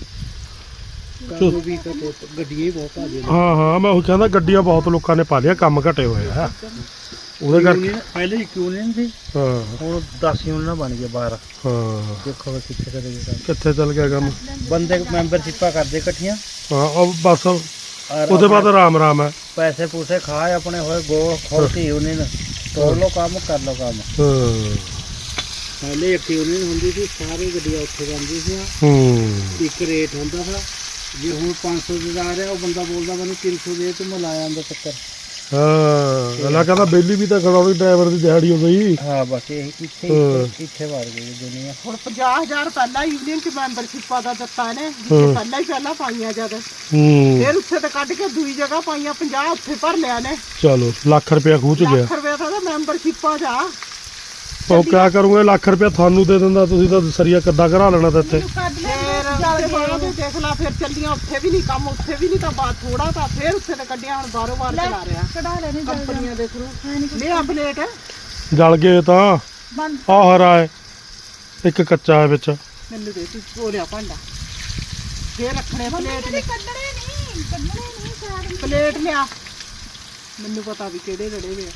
ਕਾਹਨੂੰ ਵੀ ਤਾਂ ਗੱਡੀਆਂ ਹੀ ਬਹੁਤ ਆ ਗਈਆਂ ਹਾਂ ਹਾਂ ਮੈਂ ਉਹ ਕਹਿੰਦਾ ਗੱਡੀਆਂ ਬਹੁਤ ਲੋਕਾਂ ਨੇ ਪਾ ਲਿਆ ਕੰਮ ਘਟੇ ਹੋਏ ਆ ਉਹਦੇ ਕਰਕੇ ਪਹਿਲੇ ਇੱਕ ਯੂਨੀਅਨ ਸੀ ਹਾਂ ਹੁਣ ਦਸ ਯੂਨੀਅਨ ਬਣ ਗਏ ਬਾਹਰ ਹਾਂ ਦੇਖੋ ਕਿੱਥੇ ਕਦੇ ਕੰਮ ਕਿੱਥੇ ਚੱਲ ਗਿਆ ਕੰਮ ਬੰਦੇ ਮੈਂਬਰਸ਼ਿਪਾਂ ਕਰਦੇ ਇਕੱਠੀਆਂ ਹਾਂ ਉਹ ਬਸ ਔਰ ਉਹਦੇ ਬਾਅਦ ਆਰਾਮ ਆਰਾਮ ਹੈ ਪੈਸੇ ਪੂਸੇ ਖਾਏ ਆਪਣੇ ਹੋਏ ਗੋ ਖੋਲਤੀ ਯੂਨੀਅਨ ਤੋੜ ਲਓ ਕੰਮ ਕਰ ਲਓ ਕੰਮ ਹਾਂ ਪਹਿਲੇ ਇੱਕ ਯੂਨੀਅਨ ਹੁੰਦੀ ਸੀ ਸਾਰੀ ਗੱਡੀਆਂ ਉੱਥੇ ਜਾਂਦੀ ਸੀ ਹੂੰ ਇੱਕ ਰੇਟ ਹੁੰਦਾ ਸੀ ਜੇ ਹੁਣ ਪੰਜ ਸੌ ਦੇ ਜਾ ਰਿਹਾ ਉਹ ਬੰਦਾ ਬੋਲਦਾ ਮੈਨੂੰ ਤਿੰਨ ਸੌ ਦੇ ਤੇ ਮੈਂ ਲਾਇਆ ਆਂਦਾ ਚੱਕਰ ਹਾਂ ਅਲਾ ਕਹਿੰਦਾ ਬੇਲੀ ਵੀ ਤਾਂ ਖੜਾਉਣੀ ਡਰਾਈਵਰ ਦੀ ਦਿਹਾੜੀ ਹੋ ਗਈ ਹਾਂ ਬਸ ਇਹ ਇੱਥੇ ਹਾਂ। ਇੱਥੇ ਵੜ ਗਈ ਦੁਨੀਆ ਹੁਣ ਪੰਜਾਹ ਹਜ਼ਾਰ ਪਹਿਲਾਂ ਯੂਨੀਅਨ ਚ ਮੈਂਬਰਸ਼ਿਪਾਂ ਦਾ ਦਿੱਤਾ ਨੇ ਜਿੱਥੇ ਪਹਿਲਾਂ ਹੀ ਪਹਿਲਾਂ ਪਾਈਆਂ ਜਦ ਹੂੰ ਫਿਰ ਉੱਥੇ ਤੇ ਕੱਢ ਕੇ ਦੂਈ ਜਗ੍ਹਾ ਪਾਈਆਂ ਪੰਜਾਹ ਉੱਥੇ ਭਰ ਲਿਆ ਨੇ ਚਲੋ ਲੱਖ ਰੁਪਇਆ ਖੂਹ ਚ ਗਿਆ ਲੱਖ ਰੁਪਏ ਦਾ ਮੈਂਬਰਸ਼ਿਪਾਂ ਜਾ ਉਹ ਕਿਆ ਕਰੂੰਗੇ ਲੱਖ ਰੁਪਇਆ ਤੁਹਾਨੂੰ ਦੇ ਦਿੰਦਾ ਤੁਸੀਂ ਤਾਂ ਸਰੀਆ ਕੱਦਾ ਕਰਾ ਲੈਣਾ ਤਾਂ ਇੱਥੇ ਕੱਢ ਲੈ ਫਿਰ ਉੱਥੇ ਬਾਅਦ ਵਿੱਚ ਦੇਖ ਲਾ ਫਿਰ ਚੱਲੀਆਂ ਉੱਥੇ ਵੀ ਨਹੀਂ ਕੰਮ ਉੱਥੇ ਵੀ ਨਹੀਂ ਤਾਂ ਬਾਅਦ ਥੋੜਾ ਤਾਂ ਫਿਰ ਉੱਥੇ ਤੇ ਕੱਢੀਆਂ ਹੁਣ ਬਾਰੋ ਬਾਰ ਚਲਾ ਰਿਹਾ ਕਢਾ ਲੈਣੇ ਕੰਪਨੀਆਂ ਦੇ ਥਰੂ ਲਿਆ ਪਲੇਟ ਜਲ ਗਏ ਤਾਂ ਬੰਦ ਆਹ ਹਰਾ ਹੈ ਇੱਕ ਕੱਚਾ ਹੈ ਵਿੱਚ ਮੈਨੂੰ ਦੇ ਤੂੰ ਧੋਲਿਆ ਭਾਂਡਾ ਫੇਰ ਰੱਖਣੇ ਪਲੇਟ ਨੇ ਕੱਢਣੇ ਨਹੀਂ ਕੱਢਣੇ ਨਹੀਂ ਸਾਰ ਪਲੇਟ ਲਿਆ ਮੈਨੂੰ ਪਤਾ ਵੀ ਕਿਹੜੇ ਰੜੇ ਵੇ ਆ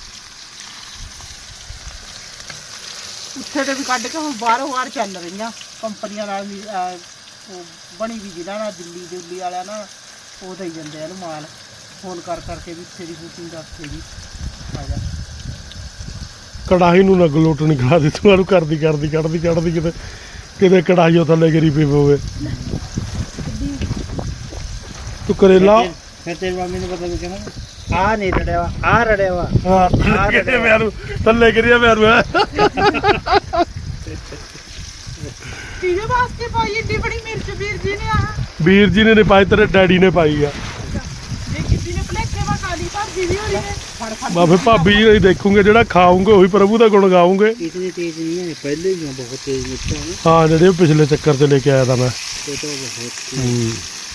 ਉੱਥੇ ਤੇ ਵੀ ਕੱਢ ਕੇ ਹੁਣ ਬਾਹਰੋਂ ਬਾਹਰ ਚੱਲ ਰਹੀਆਂ ਕੰਪਨੀਆਂ ਨਾਲ ਵੀ ਅਹ, ਉਹ ਬਣੀ ਵੀ ਜਿਹਨਾਂ ਨਾਲ ਦਿੱਲੀ ਦਿੱਲੀ ਵਾਲਿਆਂ ਨਾਲ ਉਹ ਦੇਈ ਜਾਂਦੇ ਆ ਇਹਨੂੰ ਮਾਲ ਫੋਨ ਕਰ ਕਰਕੇ ਵੀ ਇੱਥੇ ਦੀ ਬੁਕਿੰਗ ਦਾ ਉੱਥੇ ਦੀ ਆ ਜਾ ਕੜਾਹੀ ਨੂੰ ਨਾ ਗਲੋਟ ਨਹੀਂ ਖਾ ਦਿੱਤੀ ਤੁਹਾਨੂੰ ਕਰਦੀ ਕਰਦੀ ਕੱਢਦੀ ਕੱਢਦੀ ਕਿਤੇ ਕਿਤੇ ਕੜਾਹੀ ਉਹ ਥੱਲੇ ਗਿਰੀ ਪਈ ਹੋਵੇ ਤੂੰ ਕਰੇਲਾ ਫਿਰ ਤੇਰੀ ਮੰਮੀ ਨੂੰ ਪਤਾ ਵੀ ਕਹਿੰਦਾ ਆ ਨਹੀਂ ਰੜਿਆ ਵਾ ਆ ਰੜਿਆ ਵਾ ਹਾਂ ਕਿਤੇ ਮੈਨੂੰ ਥੱਲੇ ਗਿਰਿਆ ਮੈਨੂੰ ਕਿਹਦੇ ਵਾਸਤੇ ਪਾਈ ਏਡੀ ਬੜੀ ਮਿਰਚ ਵੀਰ ਜੀ ਨੇ ਆ ਵੀਰ ਜੀ ਨੇ ਨੀ ਪਾਈ ਤੇਰੇ ਡੈਡੀ ਨੇ ਪਾਈ ਆ ਜੇ ਕਿਸੇ ਨੇ ਭਲੇਖੇ ਵਾ ਖਾਲੀ ਭਾਜੀ ਵੀ ਹੋਣੀ ਨੇ ਫੜ ਫੜ ਬਾਬੇ ਭਾਬੀ ਜੀ ਨਹੀਂ ਦੇਖੂਗੇ ਜਿਹੜਾ ਖਾਉਂਗੇ ਉਹੀ ਪ੍ਰਭੂ ਦਾ ਗੁਣ ਗਾਉਂਗੇ ਇਤਨੀ ਤੇਜ਼ ਨਹੀਂ ਹੈ ਪਹਿਲੇ ਹੀ ਬਹੁਤ ਤੇਜ਼ ਮਿਰਚਾਂ ਨੇ ਹਾਂ ਜਿਹੜੇ ਉਹ ਪਿਛਲੇ ਚੱਕਰ ਤੇ ਲੈ ਕੇ ਆਇਆ ਤਾਂ ਮੈਂ ਤੇ ਤਾਂ ਬਹੁਤ ਹੂੰ।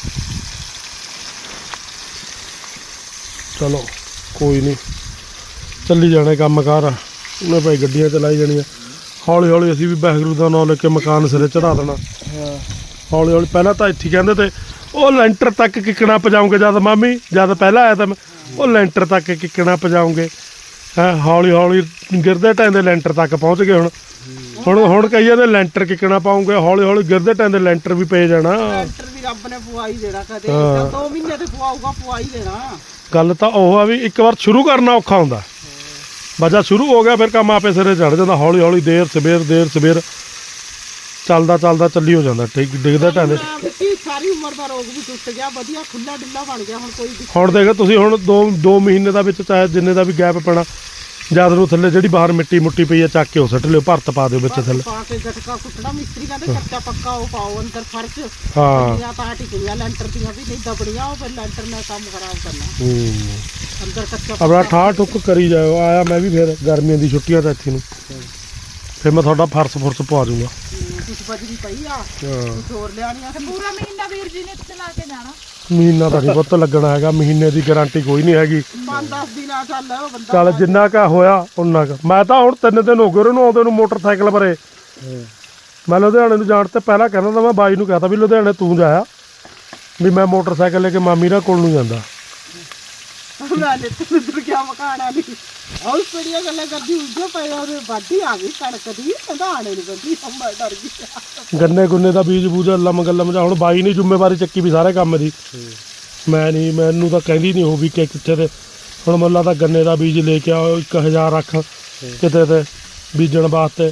ਚਲੋ ਕੋਈ ਨਹੀਂ ਚੱਲੀ ਜਾਣੇ ਕੰਮ ਕਾਰ ਉਹਨੇ ਭਾਈ ਗੱਡੀਆਂ ਚਲਾਈ ਜਾਣੀਆਂ ਹੌਲੀ ਹੌਲੀ ਅਸੀਂ ਵੀ ਵਾਹਿਗੁਰੂ ਦਾ ਨਾਮ ਲੈ ਕੇ ਮਕਾਨ ਸਿਰੇ ਚੜਾ ਦੇਣਾ ਹਾਂ ਹੌਲੀ ਹੌਲੀ ਪਹਿਲਾਂ ਤਾਂ ਇੱਥੇ ਕਹਿੰਦੇ ਤੇ ਉਹ ਲੈਂਟਰ ਤੱਕ ਕਿੱਕਣਾ ਪਜਾਉਂਗੇ ਜਦ ਮਾਮੀ ਜਦ ਪਹਿਲਾਂ ਆਇਆ ਤਾਂ ਮੈਂ ਉਹ ਲੈਂਟਰ ਤੱਕ ਕਿੱਕਣਾ ਪਜਾਉਂਗੇ ਹੈ ਹੌਲੀ ਹੌਲੀ ਗਿਰਦੇ ਟੈਂਦੇ ਲੈਂਟਰ ਤੱਕ ਪਹੁੰਚ ਗਏ ਹੁਣ ਹੁਣ ਹੁਣ ਕਈ ਜਾਂਦੇ ਲੈਂਟਰ ਕਿੱਕਣਾ ਪਾਉਂਗੇ ਹੌਲੀ ਹੌਲੀ ਗਿਰਦੇ ਟੈਂਦੇ ਲੈਂਟਰ ਵੀ ਪਏ ਜਾਣਾ ਲੈਂਟਰ ਵੀ ਰੱਬ ਨੇ ਪਵਾਈ ਦੇਣਾ ਕਦੇ ਹਾਂ। ਜਾਂ ਦੋ ਮਹੀਨੇ ਤੇ ਪਵਾਊਗਾ ਪਵਾਈ ਦੇਣਾ ਗੱਲ ਤਾਂ ਉਹ ਆ ਵੀ ਇੱਕ ਵਾਰ ਸ਼ੁਰੂ ਕਰਨਾ ਔਖਾ ਹੁੰਦਾ ਬਜਾ ਸ਼ੁਰੂ ਹੋ ਗਿਆ ਫਿਰ ਕੰਮ ਆਪੇ ਸਿਰੇ ਚੜ ਜਾਂਦਾ ਹੌਲੀ ਹੌਲੀ ਦੇਰ ਸਵੇਰ ਦੇਰ ਸਵੇਰ ਚੱਲਦਾ ਚੱਲਦਾ ਚੱਲੀ ਹੋ ਜਾਂਦਾ ਠੀਕ ਡਿੱਗਦਾ ਟਾਂਦੇ ਮਿੱਟੀ ਸਾਰੀ ਉਮਰ ਦਾ ਰੋਗ ਵੀ ਟੁੱਟ ਗਿਆ ਵਧੀਆ ਖੁੱਲਾ ਡਿੱਲਾ ਬਣ ਗਿਆ ਹੁਣ ਕੋਈ ਦਿੱਕਤ ਹੁਣ ਦੇਖ ਤੁਸੀਂ ਹੁਣ ਦੋ ਦੋ ਮਹੀਨੇ ਦਾ ਵਿੱਚ ਚਾਹੇ ਜਿੰਨੇ ਦਾ ਵੀ ਗੈਪ ਪੈਣਾ ਜਦ ਨੂੰ ਥੱਲੇ ਜਿਹੜੀ ਬਾਹਰ ਮਿੱਟੀ ਮੁੱਟੀ ਪਈ ਆ ਚੱਕ ਕੇ ਉਹ ਸੱਟ ਲਿਓ ਭਰਤ ਪਾ ਦਿਓ ਵਿੱਚ ਥੱਲੇ ਪਾ ਕੇ ਗਟਕਾ ਕੁੱਟਣਾ ਮਿਸਤਰੀ ਕਹਿੰਦੇ ਕੱਚਾ ਪੱਕਾ ਉਹ ਪਾਓ ਅੰਦਰ ਫਰਸ਼ ਹਾਂ ਦੀਆਂ ਤਾਂ ਟਿਕੀਆਂ ਲੈਂਟਰ ਦੀਆਂ ਵੀ ਨਹੀਂ ਦਬੜੀਆਂ ਉਹ ਫਿਰ ਲੈਂਟਰ ਨਾਲ ਕੰਮ ਖਰਾਬ ਕਰਨਾ ਹੂੰ ਅੰਦਰ ਕੱਚਾ ਆਪਣਾ ਠਾਹ ਠੁੱਕ ਕਰੀ ਜਾਓ ਆਇਆ ਮੈਂ ਵੀ ਫਿਰ ਗਰਮੀਆਂ ਦੀ ਛੁੱਟੀਆਂ ਤਾਂ ਇੱਥੇ ਨੂੰ ਫਿਰ ਮੈਂ ਤੁਹਾਡਾ ਫਰਸ ਫੁਰਸ ਪਵਾ ਦੂੰਗਾ ਕੁਛ ਬਜਰੀ ਪਈ ਆ ਹਾਂ ਕੁਛ ਹੋਰ ਲਿਆਣੀਆਂ ਤੇ ਪੂਰਾ ਮਹੀਨਾ ਵੀਰ ਜੀ ਨੇ ਇੱਥੇ ਲਾ ਕੇ ਜਾਣਾ ਮਹੀਨਾ ਤਾਂ ਨਹੀਂ ਪੁੱਤ ਲੱਗਣਾ ਹੈਗਾ ਮਹੀਨੇ ਦੀ ਗਾਰੰਟੀ ਕੋਈ ਨਹੀਂ ਹੈਗੀ ਪੰਜ ਦਸ ਦਿਨ ਆ ਚੱਲ ਉਹ ਬੰਦਾ ਚੱਲ ਜਿੰਨਾ ਕਾ ਹੋਇਆ ਉਨਾ ਕੁ ਮੈਂ ਤਾਂ ਹੁਣ ਤਿੰਨ ਦਿਨ ਹੋ ਗਏ ਉਹਨੂੰ ਆਉਂਦੇ ਨੂੰ ਮੋਟਰਸਾਈਕਲ ਪਰੇ ਮੈਂ ਲੁਧਿਆਣੇ ਨੂੰ ਜਾਣ ਤੇ ਪਹਿਲਾਂ ਕਹਿੰਦਾ ਤਾਂ ਮੈਂ ਬਾਈ ਨੂੰ ਕਹਤਾ ਵੀ ਲੁਧਿਆਣੇ ਤੂੰ ਜਾਇਆ ਵੀ ਮੈਂ ਮੋਟਰਸਾਈਕਲ ਲੈ ਕੇ ਮਾਮੀ ਨਾਲ ਕੋਲ ਨੂੰ ਜਾਂਦਾ ਮੈਂ ਨੇ ਤੇ ਉਧਰ ਗਿਆ ਮਕਾਣਾ ਨਹੀਂ ਆਉ ਪੜੀਆਂ ਗੱਲਾਂ ਕਰਦੀ ਉੱਜੇ ਪਏ ਉਹਦੇ ਵਾਢੀ ਆ ਗਈ ਕਣਕ ਦੀ ਕਹਿੰਦਾ ਆਣੇ ਨਹੀਂ ਬੰਦੀ ਮੈਂ ਡਰ ਗਈ ਗੰਨੇ ਗੁੰਨੇ ਦਾ ਬੀਜ ਬੂਜ ਲੰਮ ਗੱਲਮ ਜਾ ਹੁਣ ਬਾਈ ਨੇ ਜ਼ਿੰਮੇਵਾਰੀ ਚੱਕੀ ਵੀ ਸਾਰੇ ਕੰਮ ਦੀ ਮੈਂ ਨਹੀਂ ਮੈਨੂੰ ਤਾਂ ਕਹਿੰਦੀ ਨਹੀਂ ਉਹ ਵੀ ਕਿ ਕਿੱਥੇ ਤੇ ਹੁਣ ਮੁੱਲਾ ਤਾਂ ਗੰਨੇ ਦਾ ਬੀਜ ਲੈ ਕੇ ਆਓ ਇੱਕ ਹਜ਼ਾਰ ਰੱਖ ਕਿਤੇ ਤੇ ਬੀਜਣ ਵਾਸਤੇ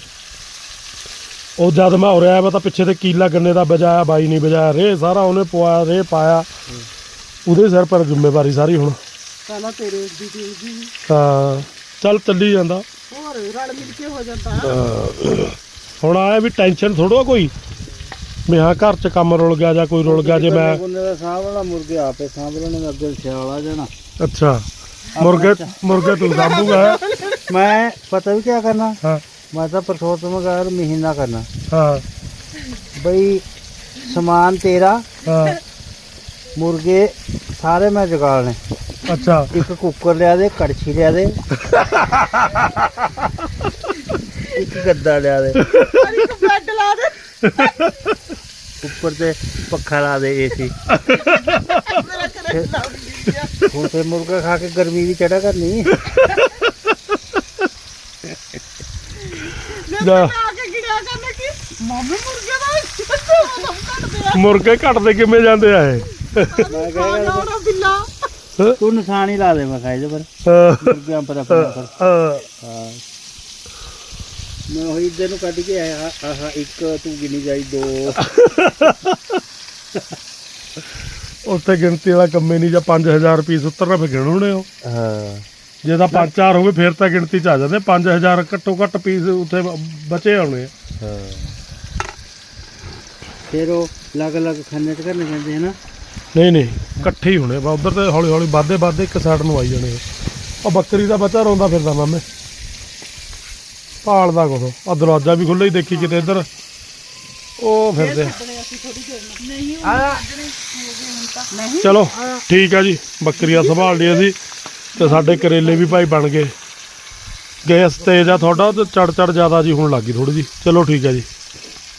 ਉਹ ਜਦ ਮੈਂ ਉਰਿਆ ਮੈਂ ਤਾਂ ਪਿੱਛੇ ਤੇ ਕੀਲਾ ਗੰਨੇ ਦਾ ਬਜਾਇਆ ਬਾਈ ਨਹੀਂ ਬਜਾਇਆ ਰੇ ਸਾਰਾ ਉਹਨੇ ਪਵਾਇਆ ਰੇ ਪਾਇਆ ਉਹਦੇ ਸਿਰ ਪਰ ਜ਼ਿੰਮੇਵਾਰੀ ਸਾਰੀ ਹੁਣ ਕਹਿੰਦਾ ਤੇਰੇ ਦੀ ਦੀ ਹਾਂ ਚੱਲ ਚੱਲੀ ਜਾਂਦਾ ਹੋਰ ਰਲ ਮਿਲ ਕੇ ਹੋ ਜਾਂਦਾ ਹਾਂ। ਹੁਣ ਆਇਆ ਵੀ ਟੈਨਸ਼ਨ ਥੋੜੋ ਕੋਈ ਵੀ ਹਾਂ ਘਰ 'ਚ ਕੰਮ ਰੁਲ ਗਿਆ ਜਾਂ ਕੋਈ ਰੁਲ ਗਿਆ ਜੇ ਮੈਂ ਬੰਦੇ ਦਾ ਸਾਂਭ ਵਾਲਾ ਮੁਰਗੇ ਆਪੇ ਸਾਂਭ ਲੈਣੇ ਅੱਗੇ ਸਿਆਲ ਆ ਜਾਣਾ ਅੱਛਾ ਮੁਰਗੇ ਮੁਰਗੇ ਤੂੰ ਸਾਂਭੂਗਾ ਮੈਂ ਪਤਾ ਵੀ ਕੀ ਕਰਨਾ ਹਾਂ ਮੈਂ ਤਾਂ ਪਰਸੋਤਮ ਗਾਰ ਮਹੀਨਾ ਕਰਨਾ ਹਾਂ ਬਈ ਸਮਾਨ ਤੇਰਾ ਹਾਂ ਮੁਰਗੇ ਸਾਰੇ ਮੈਂ ਜਗਾਲਣੇ ਅੱਛਾ ਇੱਕ ਕੁੱਕਰ ਲਿਆ ਦੇ ਕੜਛੀ ਲਿਆ ਦੇ ਇੱਕ ਗੱਦਾ ਲਿਆ ਦੇ ਇੱਕ ਬੈੱਡ ਲਾ ਦੇ ਉੱਪਰ ਤੇ ਪੱਖਾ ਲਾ ਦੇ ਏਸੀ ਮੇਰਾ ਕਰੇ ਲਾਉਣੀ ਆ ਹੁਣ ਤੇ ਮੁਰਗਾ ਖਾ ਕੇ ਗਰਮੀ ਵੀ ਚੜਾ ਕਰਨੀ ਜਾ ਆ ਕੇ ਗਿੜਿਆ ਕਰਨਾ ਕਿ ਮਾਮੇ ਮੁਰਗੇ ਦਾ ਸਭ ਕੱਢਦੇ ਆ ਮੁਰਗੇ ਘਟਦੇ ਕਿਵੇਂ ਜਾਂਦੇ ਆ ਇਹ ਮੈਂ ਖਾਣਾ ਉਹਦਾ ਬਿੱਲਾ ਤੂੰ ਨਿਸ਼ਾਨ ਹੀ ਲਾ ਦੇ ਮੈਂ ਖਾਏ ਦੇ ਪਰ ਅਹ, ਮੁਰਗਿਆਂ ਪਰ ਆਪਣੇ ਪਰ ਅਹ, ਹਾਂ ਮੈਂ ਉਹੀ ਇੱਧਰ ਨੂੰ ਕੱਢ ਕੇ ਆਇਆ ਆਹ ਇੱਕ ਤੂੰ ਗਿਣੀ ਜਾਈ ਦੋ ਉੱਥੇ ਗਿਣਤੀ ਵਾਲਾ ਕੰਮੇ ਨਹੀਂ ਜਾਂ ਪੰਜ ਹਜ਼ਾਰ ਪੀਸ ਉਤਰਨਾ ਫਿਰ ਗਿਣਉਣੇ ਉਹ ਹਾਂ ਜੇ ਤਾਂ ਪੰਜ ਚਾਰ ਹੋਵੇ ਫਿਰ ਤਾਂ ਗਿਣਤੀ ਚ ਆ ਜਾਂਦੇ ਪੰਜ ਹਜ਼ਾਰ ਘੱਟੋ ਘੱਟ ਪੀਸ ਉੱਥੇ ਬਚੇ ਆਉਣੇ ਆ। ਹਾਂ ਫਿਰ ਉਹ ਅਲੱਗ ਅਲੱਗ ਖਾਨੇ ਚ ਕਰਨੇ ਪੈਂਦੇ ਹੈ ਨਾ ਨਹੀਂ ਨਹੀਂ ਇਕੱਠੇ ਹੀ ਹੋਣੇ ਬਾ ਉਧਰ ਤੇ ਹੌਲੀ ਹੌਲੀ ਵੱਧਦੇ ਵੱਧਦੇ ਇੱਕ ਸਾਈਡ ਨੂੰ ਆਈ ਜਾਣੇ ਆ। ਉਹ ਬੱਕਰੀ ਦਾ ਬੱਚਾ ਰੋਂਦਾ ਫਿਰਦਾ ਮਾਮੇ ਭਾਲਦਾ ਕੁਛ ਆ ਦਰਵਾਜ਼ਾ ਵੀ ਖੁੱਲ੍ਹਾ ਹੀ ਦੇਖੀ ਕਿਤੇ ਇੱਧਰ ਉਹ ਫਿਰਦੇ ਆ। ਨਹੀਂ ਉਹ ਆ ਨਹੀਂ ਚਲੋ ਠੀਕ ਆ ਜੀ ਬੱਕਰੀਆਂ ਸੰਭਾਲ ਲਈ ਅਸੀਂ ਤੇ ਸਾਡੇ ਕਰੇਲੇ ਵੀ ਭਾਈ ਬਣ ਗਏ ਗੈਸ ਤੇਜ਼ ਆ ਤੁਹਾਡਾ ਤੇ ਚੜ ਚੜ ਜ਼ਿਆਦਾ ਜੀ ਹੋਣ ਲੱਗੀ ਥੋੜੀ ਜੀ ਚਲੋ ਠੀਕ ਆ ਜੀ।